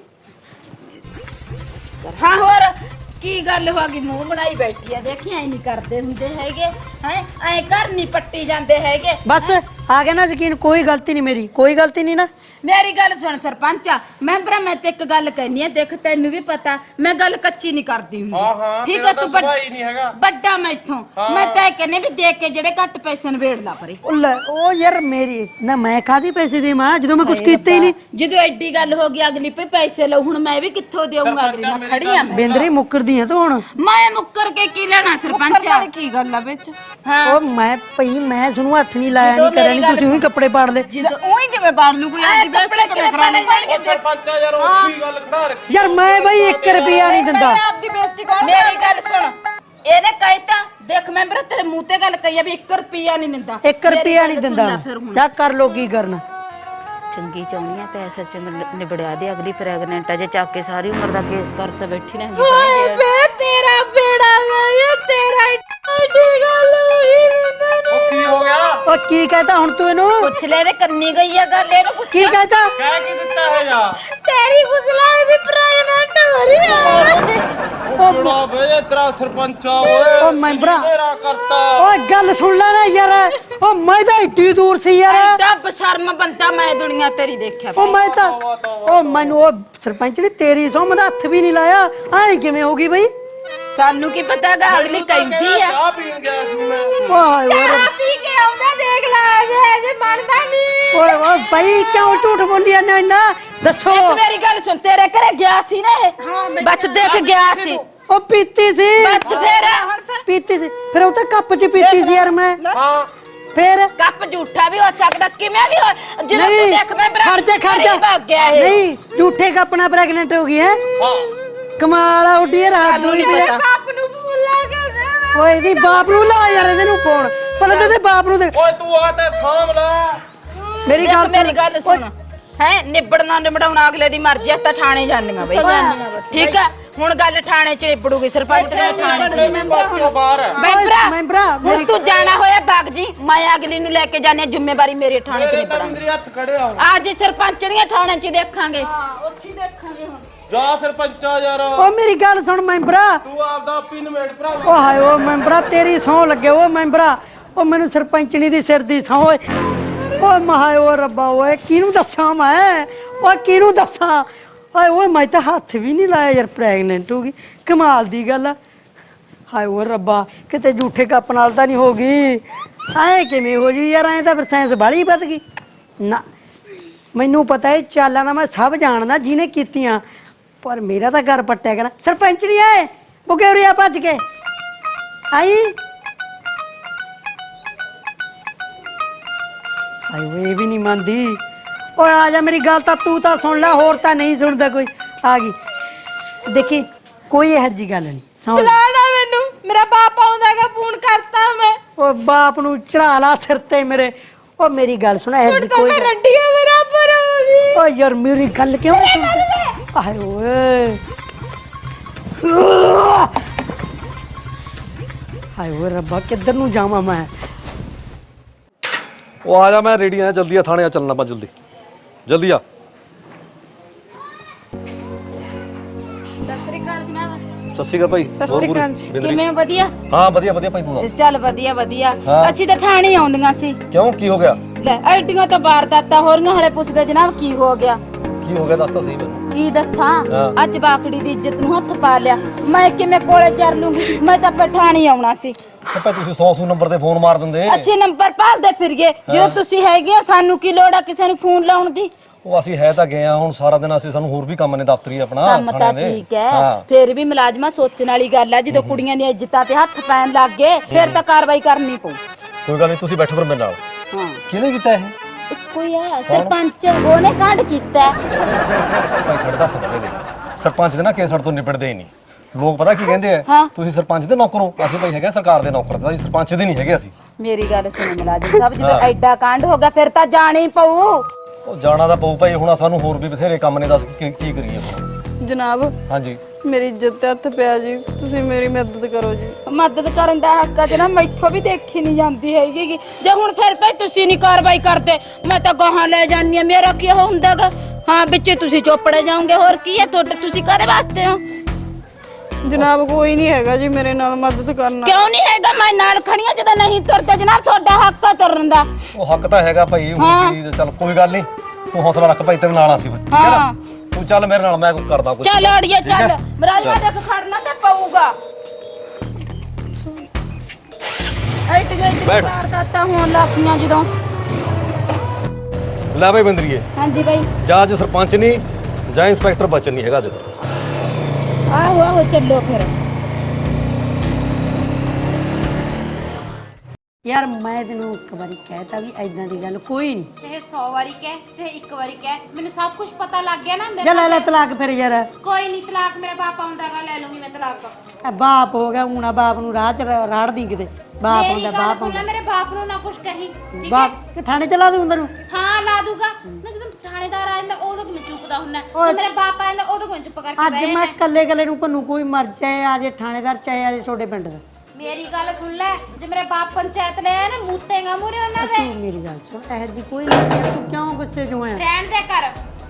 S2: ਹਾਂ ਹੋਰ ਕੀ ਗੱਲ ਹੋ ਗਈ ਮੂੰਹ ਬਣਾਈ ਬੈਠੀ ਆ ਦੇਖੀ ਐ ਨਹੀਂ ਕਰਦੇ ਹੁੰਦੇ ਹੈਗੇ ਹੈ ਐ ਘਰ ਨਹੀਂ ਪੱਟੀ ਜਾਂਦੇ ਹੈਗੇ
S1: ਬਸ ਆ ਗਿਆ ਨਾ ਯਕੀਨ ਕੋਈ ਗਲਤੀ ਨਹੀਂ ਮੇਰੀ ਕੋਈ ਗਲਤੀ ਨਹੀਂ ਨਾ
S2: ਮੇਰੀ ਗੱਲ ਸੁਣ ਸਰਪੰਚਾ ਮੈਂਬਰਾ ਮੈਂ ਤੇ ਇੱਕ ਗੱਲ ਕਹਿਨੀ ਆ ਦੇਖ ਤੈਨੂੰ ਵੀ ਪਤਾ ਮੈਂ ਗੱਲ ਕੱਚੀ ਨਹੀਂ ਕਰਦੀ ਹੁੰਦੀ
S3: ਹਾਂ ਹਾਂ
S2: ਠੀਕ
S3: ਤੇਰਾ
S2: ਆ
S3: ਤਾਂ
S2: ਤੂੰ
S3: ਸੁਭਾਅ ਹੀ ਨਹੀਂ ਹੈਗਾ
S2: ਵੱਡਾ ਮੈਂ ਇੱਥੋਂ ਮੈਂ ਤਾਂ ਇਹ ਕਹਿੰਨੀ ਵੀ ਦੇਖ ਕੇ ਜਿਹੜੇ ਘੱਟ ਪੈਸੇ ਨਵੇੜ ਲਾ ਪਰੇ
S1: ਉਹ ਲੈ ਉਹ ਯਾਰ ਮੇਰੀ ਨਾ ਮੈਂ ਕਾਹਦੀ ਪੈਸੇ ਦੇ ਮਾਂ ਜਦੋਂ ਮੈਂ ਕੁਝ ਕੀਤਾ ਹੀ ਨਹੀਂ
S2: ਜਦੋਂ ਐਡੀ ਗੱਲ ਹੋ ਗਈ ਅਗਲੀ ਪੇ ਪੈਸੇ ਲਓ ਹੁਣ ਮੈਂ ਵੀ ਕਿੱਥੋਂ ਦੇਵਾਂਗਾ ਅਗਲੀ ਮੈਂ ਖੜੀ ਆ ਮੈਂ
S1: ਬਿੰਦਰੀ ਮੁੱਕਰਦੀ ਆ ਤੂੰ ਹੁਣ
S2: ਮੈਂ ਮੁੱਕਰ ਕੇ ਕੀ ਲੈਣਾ ਸਰਪੰਚਾ
S4: ਕੀ ਗੱਲ ਆ ਵਿੱਚ
S1: ਉਹ ਮੈਂ ਭਈ ਮੈਂ ਤੁਹਾਨੂੰ ਹੱਥ ਨਹੀਂ ਲਾਇਆ ਨਹੀਂ ਕਰਿਆ ਨਹੀਂ ਤੁਸੀਂ ਉਹੀ ਕੱਪੜੇ ਪਾੜ ਲੈ
S4: ਉਹੀ ਕਿਵੇਂ ਬਾੜ ਲੂ ਕੋਈ ਆਦੀ ਬੇਇੱਜ਼ਤੀ ਕਿਵੇਂ ਕਰਾਣੀ
S3: ਸਰਪੰਚਾ ਯਾਰ ਉਹ ਕੀ ਗੱਲ ਖੜਾ ਰੱਖੀ
S1: ਯਾਰ ਮੈਂ ਬਈ 1 ਰੁਪਿਆ ਨਹੀਂ ਦਿੰਦਾ
S4: ਆਪਦੀ ਬੇਇੱਜ਼ਤੀ ਕੌਣ
S2: ਮੇਰੀ ਗੱਲ ਸੁਣ ਇਹਨੇ ਕਹਿਤਾ ਦੇਖ ਮੈਂਬਰ ਤੇਰੇ ਮੂੰਹ ਤੇ ਗੱਲ ਕਹੀ ਆ ਵੀ 1 ਰੁਪਿਆ ਨਹੀਂ ਦਿੰਦਾ
S1: 1 ਰੁਪਿਆ ਨਹੀਂ ਦਿੰਦਾ ਜਾ ਕਰ ਲੋ ਕੀ ਕਰਨਾ
S2: ਚੰਗੀ ਚਾਹੁੰਦੀ ਆ ਪੈਸੇ ਚ ਨਿਬੜਿਆ ਦੇ ਅਗਲੀ ਪ੍ਰੈਗਨੈਂਟ ਆ ਜੇ ਚੱਕ ਕੇ ਸਾਰੀ ਉਮਰ ਦਾ ਕੇਸ ਕਰਤਾ ਬੈਠੀ ਰਹਿੰਦੀ
S5: ਓਏ ਬੇ ਤੇਰਾ ਬੇੜਾ ਵੇ ਤੇਰਾ ਏਡੀ ਗੱਲ ਹੋਈ
S3: ਉਹ ਕੀ ਹੋ ਗਿਆ
S1: ਉਹ ਕੀ ਕਹਤਾ ਹੁਣ ਤੂੰ ਇਹਨੂੰ
S2: ਪੁੱਛ ਲੈ ਇਹਦੇ ਕੰਨੀ ਗਈ ਆ ਗੱਲ ਇਹਨੂੰ ਪੁੱਛ
S1: ਕੀ ਕਹਤਾ
S3: ਕਹਿ ਕੀ ਦਿੱਤਾ ਹੈ ਜਾ
S5: ਤੇਰੀ ਗੁਸਲਾ ਦੀ ਪ੍ਰੈਗਨੈਂਟ ਹੋ ਰਹੀ ਹੈ
S3: ਉਹ ਬੜਾ ਵੇ ਤੇਰਾ ਸਰਪੰਚਾ ਓਏ
S1: ਉਹ ਮੈਂਬਰਾ
S3: ਤੇਰਾ ਕਰਤਾ
S1: ਓਏ ਗੱਲ ਸੁਣ ਲੈ ਨਾ ਯਾਰ ਉਹ ਮੈਂ ਤਾਂ ਇੱਡੀ ਦੂਰ ਸੀ ਯਾਰ
S2: ਐਡਾ ਬਸ਼ਰਮ ਬੰਦਾ ਮੈਂ ਦੁਨੀਆ ਤੇਰੀ ਦੇਖਿਆ
S1: ਉਹ ਮੈਂ ਤਾਂ ਉਹ ਮੈਨੂੰ ਉਹ ਸਰਪੰਚ ਨੇ ਤੇਰੀ ਸੌਂ ਦਾ ਹੱਥ ਵੀ ਨਹੀਂ ਲਾਇਆ ਐ ਕਿਵੇਂ ਹੋ ਗਈ ਬਈ
S2: ਸਾਨੂੰ ਕੀ ਪਤਾਗਾ ਅਗਲੀ ਕਹਿੰਦੀ ਆ
S3: ਚਾਹ ਪੀਣ ਗਿਆ ਸੀ ਮੈਂ
S1: ਵਾਹ
S5: ਚਾਹ ਪੀ ਕੇ ਆਉਂਦਾ ਦੇਖ ਲੈ ਜੇ ਮੰਨਦਾ ਨਹੀਂ
S1: ਓਏ ਓਏ ਭਾਈ ਕਿਉਂ ਝੂਠ ਬੋਲਿਆ ਨਾ ਇੰਨਾ ਦੱਸੋ
S2: ਇੱਕ ਮੇਰੀ ਗੱਲ ਸੁਣ ਤੇਰੇ ਘਰੇ ਗਿਆ ਸੀ ਨਾ ਇਹ ਬੱਚ ਦੇਖ ਗਿਆ ਸੀ
S1: ਉਹ ਪੀਤੀ ਸੀ
S2: ਬੱਚ ਫੇਰ
S1: ਪੀਤੀ ਸੀ ਫਿਰ ਉਹ ਤਾਂ ਕੱਪ 'ਚ ਪੀਤੀ ਸੀ ਯਾਰ ਮੈਂ
S3: ਹਾਂ
S1: ਫਿਰ
S2: ਕੱਪ ਝੂਠਾ ਵੀ ਹੋ ਸਕਦਾ ਕਿਵੇਂ ਵੀ ਹੋ ਜਦੋਂ ਤੂੰ ਦੇਖ ਮੈਂ
S1: ਖੜ ਜਾ
S2: ਭੱਗ ਗਿਆ ਇਹ
S1: ਨਹੀਂ ਝੂਠੇ ਕੱਪ ਨਾਲ ਪ੍ਰੈਗਨੈਂਟ ਹੋ ਗਈ ਹੈ
S3: ਹਾਂ
S1: ਕਮਾਲ ਆ ਉੱਡੀ ਰਾਤ ਦੋਈ ਪਈ
S5: ਬਾਪ ਨੂੰ ਭੁੱਲਾ ਕੇ ਦੇ
S1: ਓਏ ਦੀ ਬਾਪ ਨੂੰ ਲਾ ਯਾਰ ਇਹਦੇ ਨੂੰ ਫੋਨ ਪਹਿਲਾਂ ਤੇ ਬਾਪ ਨੂੰ ਦੇ
S3: ਓਏ ਤੂੰ ਆ ਤੇ ਸਾਂਭ ਲੈ
S1: ਮੇਰੀ ਗੱਲ
S2: ਮੇਰੀ ਗੱਲ ਸੁਣ ਹੈ ਨਿਬੜਨਾ ਨਿਬੜਾਉਣਾ ਅਗਲੇ ਦੀ ਮਰਜ਼ੀ ਆ ਤਾਂ ਥਾਣੇ ਜਾਣੀਆਂ ਬਈ ਠੀਕ ਆ ਹੁਣ ਗੱਲ ਥਾਣੇ 'ਚ ਨਿਬੜੂਗੀ ਸਰਪੰਚ ਦੇ ਥਾਣੇ 'ਚ
S3: ਬੱਚੋ ਬਾਹਰ ਹੈ
S2: ਮੈਂਬਰਾ ਹੁਣ ਤੂੰ ਜਾਣਾ ਹੋਇਆ ਬਾਗ ਜੀ ਮੈਂ ਅਗਲੀ ਨੂੰ ਲੈ ਕੇ ਜਾਣੀ ਆ, ਜ਼ਿੰਮੇਵਾਰੀ ਮੇਰੇ ਥਾਣੇ 'ਚ
S3: ਮੇਰੇ ਤਾਂ
S2: ਨਿਬੜਾਂਗੇ
S3: ਬਿੰਦਰੀ ਹੱਥ ਖੜੇ ਆ
S2: ਅੱਜ ਸਰਪੰਚ ਦੀਆਂ ਥਾਣੇ 'ਚ ਹੀ ਦੇਖਾਂਗੇ
S3: ਜਾ ਸਰਪੰਚਾ ਯਾਰ
S1: ਓ ਮੇਰੀ ਗੱਲ ਸੁਣ ਮੈਂਬਰਾ।
S3: ਤੂੰ ਆਪਦਾ ਪਿੰਨ ਮੇੜ ਭਰਾ
S1: ਓ ਹਾਏ ਓ ਮੈਂਬਰਾ ਤੇਰੀ ਸਹੁੰ ਲੱਗੇ ਓ ਮੈਂਬਰਾ। ਓ ਮੈਨੂੰ ਸਰਪੰਚਣੀ ਦੀ ਸਿਰ ਦੀ ਸਹੁੰ ਓਏ। ਓ ਮਹਾਏ ਓ ਰੱਬਾ ਓਏ ਕਿਹਨੂੰ ਦੱਸਾਂ ਮੈਂ? ਓ ਕਿਹਨੂੰ ਦੱਸਾਂ? ਹਾਏ ਓਏ ਮੈਂ ਤਾਂ ਹੱਥ ਵੀ ਨਹੀਂ ਲਾਇਆ ਯਾਰ, ਪ੍ਰੈਗਨੈਂਟ ਹੋ ਗਈ। ਕਮਾਲ ਦੀ ਗੱਲ ਆ। ਹਾਏ ਓ ਰੱਬਾ ਕਿਤੇ ਝੂਠੇ ਕੱਪ ਨਾਲ ਤਾਂ ਨਹੀਂ ਹੋ ਗਈ। ਐ ਕਿਵੇਂ ਹੋ ਜੂ ਯਾਰ? ਐ ਤਾਂ ਫਿਰ ਸਾਇੰਸ ਬਾਲੀ ਵੱਧ ਗਈ ਨਾ। ਮੈਨੂੰ ਪਤਾ ਹੈ ਚਾਲਾਂ ਦਾ ਮੈਂ ਸਭ ਜਾਣਦਾ ਜਿਹਨੇ ਕੀਤੀਆਂ, ਪਰ ਮੇਰਾ ਤਾਂ ਘਰ ਪੱਟਿਆ ਗਿਆ ਨਾ। ਸਰਪੰਚਣੀ ਆਏ ਬੁਕੇ ਉਰਿਆ ਭੱਜ ਕੇ ਆਈ। ਹਾਏ ਓਏ ਇਹ ਵੀ ਨਹੀਂ ਮੰਨਦੀ। ਓਏ ਆ ਜਾ ਮੇਰੀ ਗੱਲ ਤਾਂ ਤੂੰ ਤਾਂ ਸੁਣ ਲੈ, ਹੋਰ ਤਾਂ ਨਹੀਂ ਸੁਣਦਾ ਕੋਈ। ਆ ਗਈ ਦੇਖੀ ਕੋਈ ਇਹੋ ਜਿਹੀ ਗੱਲ ਨਹੀਂ। ਸੁਣ ਲੈ।
S2: ਮੈਨੂੰ ਮੇਰਾ ਬਾਪ ਆਉਂਦਾਗਾ ਫੋਨ ਕਰਤਾ ਮੈਂ
S1: ਓ ਬਾਪ ਨੂੰ ਚੜਾ ਲਾ ਸਿਰ ਤੇ ਮੇਰੇ। ਓ ਮੇਰੀ ਗੱਲ ਸੁਣ ਇਹੋ ਜਿਹੀ ਕੋਈ
S2: ਰੰਡੀਆਂ ਮੇਰਾ ਪਰ ਹੋ ਗਈ।
S1: ਓ ਯਾਰ ਮੇਰੀ ਗੱਲ ਕਿਉਂ ਨਹੀਂ ਸੁਣਦੀ? ਹਾਏ ਓਏ ਹਾਏ ਓਏ ਰੱਬਾ ਕਿੱਧਰ ਨੂੰ ਜਾਵਾਂ ਮੈਂ?
S9: ਉਹ ਆ ਜਾ, ਮੈਂ ਰੈਡੀ ਆ, ਜਲਦੀ ਆ, ਥਾਣੇ ਆ ਚੱਲਣਾ, ਆਪਾਂ ਜਲਦੀ ਜਲਦੀ ਆ।
S2: ਸਤਿ ਸ੍ਰੀ ਅਕਾਲ ਜਨਾਬ।
S9: ਸਤਿ ਸ਼੍ਰੀ ਅਕਾਲ ਭਾਈ। ਹੋਰ ਗੁਰੂ ਬਿੰਦਰੀ?
S2: ਕਿਵੇਂ ਵਧੀਆ?
S9: ਹਾਂ ਵਧੀਆ ਵਧੀਆ ਭਾਈ, ਤੂੰ ਦੱਸ।
S2: ਚੱਲ ਵਧੀਆ ਵਧੀਆ।
S9: ਹਾਂ।
S2: ਅਸੀਂ ਤਾਂ ਥਾਣੇ ਆਉਂਦੀਆਂ ਸੀ।
S9: ਕਿਉਂ, ਕੀ ਹੋ ਗਿਆ?
S2: ਲੈ ਐਡੀਆਂ ਤਾਂ ਵਾਰਦਾਤਾਂ ਹੋ ਰਹੀਆਂ, ਹਲੇ ਪੁੱਛਦੇ ਜਨਾਬ ਕੀ ਹੋ ਗਿਆ?
S9: ਕੀ ਹੋ ਗਿਆ ਦੱਸ ਤਾਂ ਸਹੀ ਮੈਨੂੰ।
S2: ਕੀ ਦੱਸਾਂ?
S9: ਹਾਂ।
S2: ਅੱਜ ਬਾਕੜੀ ਦੀ ਇੱਜ਼ਤ ਨੂੰ ਹੱਥ ਪਾ ਲਿਆ। ਮੈਂ ਕਿਵੇਂ ਕੋਲੇ ਚਰ ਲੂੰਗੀ? ਮੈਂ ਤਾਂ ਪਠਾਣੀ ਆਉਣਾ ਸੀ।
S9: ਭਾਈ ਤੁਸੀਂ 100 ਨੰਬਰ ਤੇ ਫੋਨ ਮਾਰ ਦਿੰਦੇ।
S2: ਅੱਛੇ ਨੰਬਰ ਭਾਲਦੇ ਫਿਰੀਏ ਜਦੋਂ ਤੁਸੀਂ ਹੈਗੇ ਹੋ। ਸਾਨੂੰ ਕੀ ਲੋੜ ਆ ਕਿਸੇ ਨੂੰ ਫੋਨ ਲਾਉਣ ਦੀ?
S9: ਉਹ ਅਸੀਂ ਹੈ ਤਾਂ ਗਏ ਆ, ਹੁਣ ਸਾਰਾ ਦਿਨ ਅਸੀਂ, ਸਾਨੂੰ ਹੋਰ ਵੀ ਕੰਮ ਨੇ ਦਫ਼ਤਰੀ ਆਪਣਾ
S2: ਕੰਮ ਤਾਂ
S9: ਥਾਣੇ ਦੇ।
S2: ਠੀਕ ਹੈ,
S9: ਹਾਂ।
S2: ਫਿਰ ਵੀ ਮੁਲਾਜ਼ਮਾਂ ਸੋਚਣ ਵਾਲੀ ਗੱਲ ਹੈ। ਜਦੋਂ ਕੁੜੀਆਂ ਦੀਆਂ ਇੱਜ਼ਤਾਂ ਤੇ ਹੱਥ ਪੈਣ ਲੱਗ ਗਏ ਫਿਰ ਤਾਂ ਕਾਰਵਾਈ ਕਰਨੀ ਪਊ।
S9: ਕੋਈ ਗੱਲ ਨਹੀਂ, ਤੁਸੀਂ ਬੈਠੋ ਫਿਰ ਮੇਰੇ ਨਾਲ।
S2: ਹਾਂ
S9: ਕਿਹਨੇ ਕੀਤਾ ਇਹ?
S2: ਕੋਈ ਹੈ ਸਰਪੰਚ, ਉਹਨੇ ਕਾਂਡ ਕੀਤਾ।
S9: ਭਾਈ ਸਾਡੇ ਤਾਂ ਹੱਥ ਬੰਨੇ ਦੇ। ਸਰਪੰਚ ਦੇ ਨਾ ਕੇਸ ਸਾਡੇ ਤੋਂ ਨਿਬੜਦੇ ਹੀ ਨਹੀਂ। ਲੋਕ ਪਤਾ ਕੀ ਕਹਿੰਦੇ ਆ,
S2: ਹਾਂ।
S9: ਤੁਸੀਂ ਸਰਪੰਚ ਦੇ ਨੌਕਰ ਹੋ। ਅਸੀਂ ਭਾਈ ਹੈਗੇ ਸਰਕਾਰ ਦੇ ਨੌਕਰ, ਤਾਂ ਅਸੀਂ ਸਰਪੰਚ ਦੇ ਨਹੀਂ ਹੈਗੇ ਅਸੀਂ।
S2: ਮੇਰੀ ਗੱਲ ਸੁਣੋ ਮੁਲਾਜ਼ਮ ਸਾਹਿਬ, ਜਦੋਂ ਐਡਾ ਕਾਂਡ ਹੋ ਗਿਆ ਫਿਰ ਤਾਂ ਜਾਣਾ ਹੀ ਪਊ।
S9: ਉਹ ਜਾਣਾ ਤਾਂ ਪਊ ਭਾਈ, ਹੁਣ ਸਾਨੂੰ ਹੋਰ ਵੀ ਬਥੇਰੇ ਕੰਮ ਨੇ, ਦੱਸ ਕੀ ਕਰੀਏ ਹੁਣ?
S4: ਜਨਾਬ
S9: ਹਾਂਜੀ
S4: ਮੇਰੀ ਇੱਜ਼ਤ ਤੇ ਹੱਥ ਪਿਆ ਜੀ, ਤੁਸੀਂ ਮੇਰੀ ਮਦਦ ਕਰੋ ਜੀ।
S2: ਮਦਦ ਕਰਨ ਦਾ ਹੱਕ ਹੈ ਜਨਾਬ, ਮੈਥੋਂ ਵੀ ਦੇਖੀ ਨਹੀਂ ਜਾਂਦੀ ਹੈਗੀ। ਜੇ ਹੁਣ ਫਿਰ ਭਾਈ ਤੁਸੀਂ ਨਹੀਂ ਕਾਰਵਾਈ ਕਰਦੇ ਮੈਂ ਤਾਂ ਗਾਹਾਂ ਲੈ ਜਾਨੀ ਆ। ਮੇਰਾ ਕੀ ਹੁੰਦਾਗਾ? ਹਾਂ ਵਿੱਚੇ ਤੁਸੀਂ ਚੋਪੜੇ ਜਾਓਗੇ, ਹੋਰ ਕੀ ਹੈ ਤੁਹਾਡੇ? ਤੁਸੀਂ ਕਾਹਦੇ ਵਾਸਤੇ ਹੋ?
S4: ਜਨਾਬ ਕੋਈ ਨਹੀਂ ਹੈਗਾ ਜੀ ਮੇਰੇ ਨਾਲ ਮਦਦ ਕਰਨਾ।
S2: ਕਿਉਂ ਨਹੀਂ ਹੈਗਾ? ਮੈਂ ਨਾਲ ਖੜੀਆਂ ਜਦੋਂ ਨਹੀਂ ਤੁਰਦੇ ਜਨਾਬ, ਤੁਹਾਡਾ ਹੱਕ ਹੈ ਤੁਰਨ ਦਾ।
S9: ਉਹ ਹੱਕ ਤਾਂ ਹੈਗਾ ਭਾਈ, ਹੁਣ ਕੀ, ਚੱਲ ਕੋਈ ਗੱਲ ਨਹੀਂ, ਤੂੰ ਹੌਸਲਾ ਰੱਖ ਭਾਈ, ਤੇਰੇ ਨਾਲ ਆ ਸੀ, ਠੀਕ ਹੈ ਨਾ? ਤੂੰ ਚੱਲ ਮੇਰੇ ਨਾਲ, ਮੈਂ ਕਰਦਾ ਕੁਝ।
S2: ਚੱਲ ਅੜੀਏ ਚੱਲ, ਮਰਾਜਵਾ ਦੇਖ ਖੜਨਾ ਤੇ ਪਊਗਾ।
S9: ਬੈਠ।
S2: ਵਾਰਦਾਤਾਂ ਹੋਣ ਲੱਗੀਆਂ ਜਦੋਂ।
S9: ਲੈ ਭਾਈ ਬਿੰਦਰੀਏ,
S2: ਹਾਂਜੀ ਬਾਈ।
S9: ਜਾਂ ਅੱਜ ਸਰਪੰਚ ਨਹੀਂ ਜਾਂ ਇੰਸਪੈਕਟਰ ਬਚਨ ਨਹੀਂ ਹੈਗਾ ਜਦੋਂ।
S2: ਆਹੋ ਆਹੋ ਚੱਲੋ ਫਿਰ।
S1: ਯਾਰ ਮੈਂ ਤੈਨੂੰ ਇੱਕ ਵਾਰੀ ਕਹਿਤਾ ਵੀ ਐਦਾਂ ਦੀ ਗੱਲ ਕੋਈ ਨਹੀਂ।
S5: ਚਾਹੇ 100 ਵਾਰੀ ਕਹਿ ਚਾਹੇ ਇੱਕ ਵਾਰੀ ਕਹਿ, ਮੈਨੂੰ ਸਭ ਕੁਝ ਪਤਾ ਲੱਗ ਗਿਆ ਨਾ।
S1: ਜਾ ਲੈ ਲੈ ਤਲਾਕ ਫਿਰ ਯਾਰ।
S5: ਕੋਈ ਨਹੀਂ ਤਲਾਕ, ਮੇਰਾ ਬਾਪ ਆਉਂਦਾਗਾ ਲੈ ਲੂੰਗੀ ਮੈਂ ਤਲਾਕ।
S1: ਆ ਬਾਪ ਹੋ ਗਿਆ ਹੁਣਾ, ਬਾਪ ਨੂੰ ਰਾਹ ਚ ਰਾੜਦੀ ਕਿਤੇ। ਬਾਪ
S5: ਮੇਰੀ
S1: ਆਉਂਦਾ
S5: ਗੱਲ
S1: ਬਾਪ
S5: ਸੁਣ ਲੈ,
S1: ਆਉਂਦਾ।
S5: ਮੇਰੇ ਬਾਪ ਨੂੰ ਨਾ ਕੁਝ ਕਹੀਂ, ਠੀਕ ਹੈ?
S1: ਬਾਪ ਕਿ ਥਾਣੇ ਚਲਾ ਦੂੰ ਅੰਦਰ ਨੂੰ?
S5: ਹਾਂ ਲਾ ਦੂਗਾ ਨਾ। ਜਦੋਂ ਥਾਣੇਦਾਰ ਆ ਜਾਂਦਾ ਉਦੋਂ ਕਿਵੇਂ ਚੁੱਪਦਾ ਹੁੰਦਾ,
S1: ਓਏ।
S5: ਤੇ ਮੇਰਾ ਬਾਪ ਆ ਜਾਂਦਾ ਉਦੋਂ ਕਿਵੇਂ ਚੁੱਪ ਕਰਕੇ
S1: ਅੱਜ
S5: ਬਹਿ
S1: ਮੈਂ
S5: ਜਾਣਾ?
S1: ਕੱਲੇ ਕੱਲੇ ਨੂੰ ਭੰਨੂ, ਕੋਈ ਮਰ ਚਾਹੇ ਆ ਜੇ ਥਾਣੇਦਾਰ, ਚਾਹੇ ਆ ਜੇ ਛੋਟੇ ਪਿੰਡ ਦਾ।
S5: ਮੇਰੀ ਗੱਲ ਸੁਣ ਲੈ, ਜੇ ਮੇਰੇ ਬਾਪ ਪੰਚਾਇਤ ਲੈ ਆਇਆ ਨਾ ਮੂਤੇਗਾ ਮੂਰੇ ਉਹਨਾਂ ਦੇ।
S1: ਤੂੰ ਮੇਰੀ ਗੱਲ ਸੁਣ, ਇਹ ਜੀ ਕੋਈ ਨਹੀਂ। ਤੂੰ ਕਿਉਂ ਗੁੱਸੇ ਚ ਹੋਇਆ?
S5: ਰਹਿਣ ਦੇ ਕਰ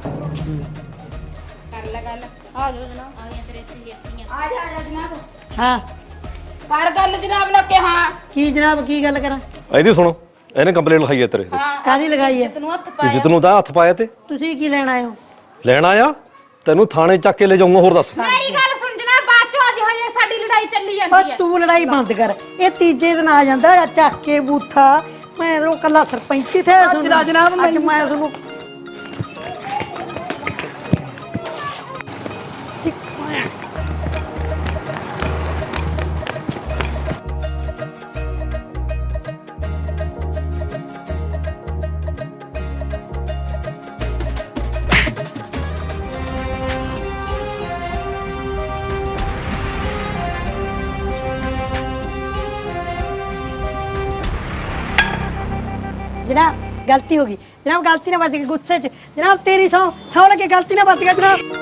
S5: ਲੈ ਗੱਲ। ਆ ਜਾ ਜਨਾਬ, ਆ ਗਿਆ ਤੇਰੇ ਇੱਥੇ
S2: ਆ ਜਾ ਜਨਾਬ।
S1: ਹਾਂ
S2: ਕਰ ਗੱਲ ਜਨਾਬ ਨਾਲ ਕਿ ਹਾਂ।
S1: ਕੀ ਜਨਾਬ, ਕੀ ਗੱਲ ਕਰਾਂ?
S9: ਇਹਦੀ ਸੁਣੋ, ਇਹਨੇ ਕੰਪਲੇਂਟ ਲਿਖਾਈ ਹੈ ਤੇਰੇ ਤੇ।
S1: ਕਾਦੀ ਲਗਾਈ ਹੈ?
S2: ਇੱਜ਼ਤ ਨੂੰ ਹੱਥ ਪਾਇਆ।
S9: ਜਿੱਤ ਨੂੰ ਤਾਂ ਹੱਥ ਪਾਇਆ ਤੇ
S1: ਤੁਸੀਂ ਕੀ ਲੈਣ ਆਏ ਹੋ?
S9: ਲੈਣਾ ਆ, ਤੈਨੂੰ ਥਾਣੇ ਚੱਕ ਕੇ ਲੈ ਜਾਊਂਗਾ। ਹੋਰ ਦੱਸ।
S5: ਮੇਰੀ ਗੱਲ ਸੁਣ ਜਨਾਬ, ਬਾਅਦ ਚੋਂ ਅੱਜ ਹਜੇ ਸਾਡੀ ਲੜਾਈ ਚੱਲੀ
S1: ਓ
S5: ਜਾਂਦੀ ਹੈ।
S1: ਤੂੰ ਲੜਾਈ ਬੰਦ ਕਰ। ਇਹ ਤੀਜੇ ਦਿਨ ਆ ਜਾਂਦਾ ਆ ਚੱਕ ਕੇ ਬੂਥਾ। ਮੈਂ ਉਹ ਕੱਲਾ ਸਰਪੰਚੀ ਥੇ ਸੁਣ ਜਨਾਬ। ਅੱਜ ਮੈਂ ਤੁਹਾਨੂੰ जनाब गलती होगी जनाब, गलती ना बच गई गुस्से च जनाब। तेरी सौ लगे गलती ना बच गया जनाब।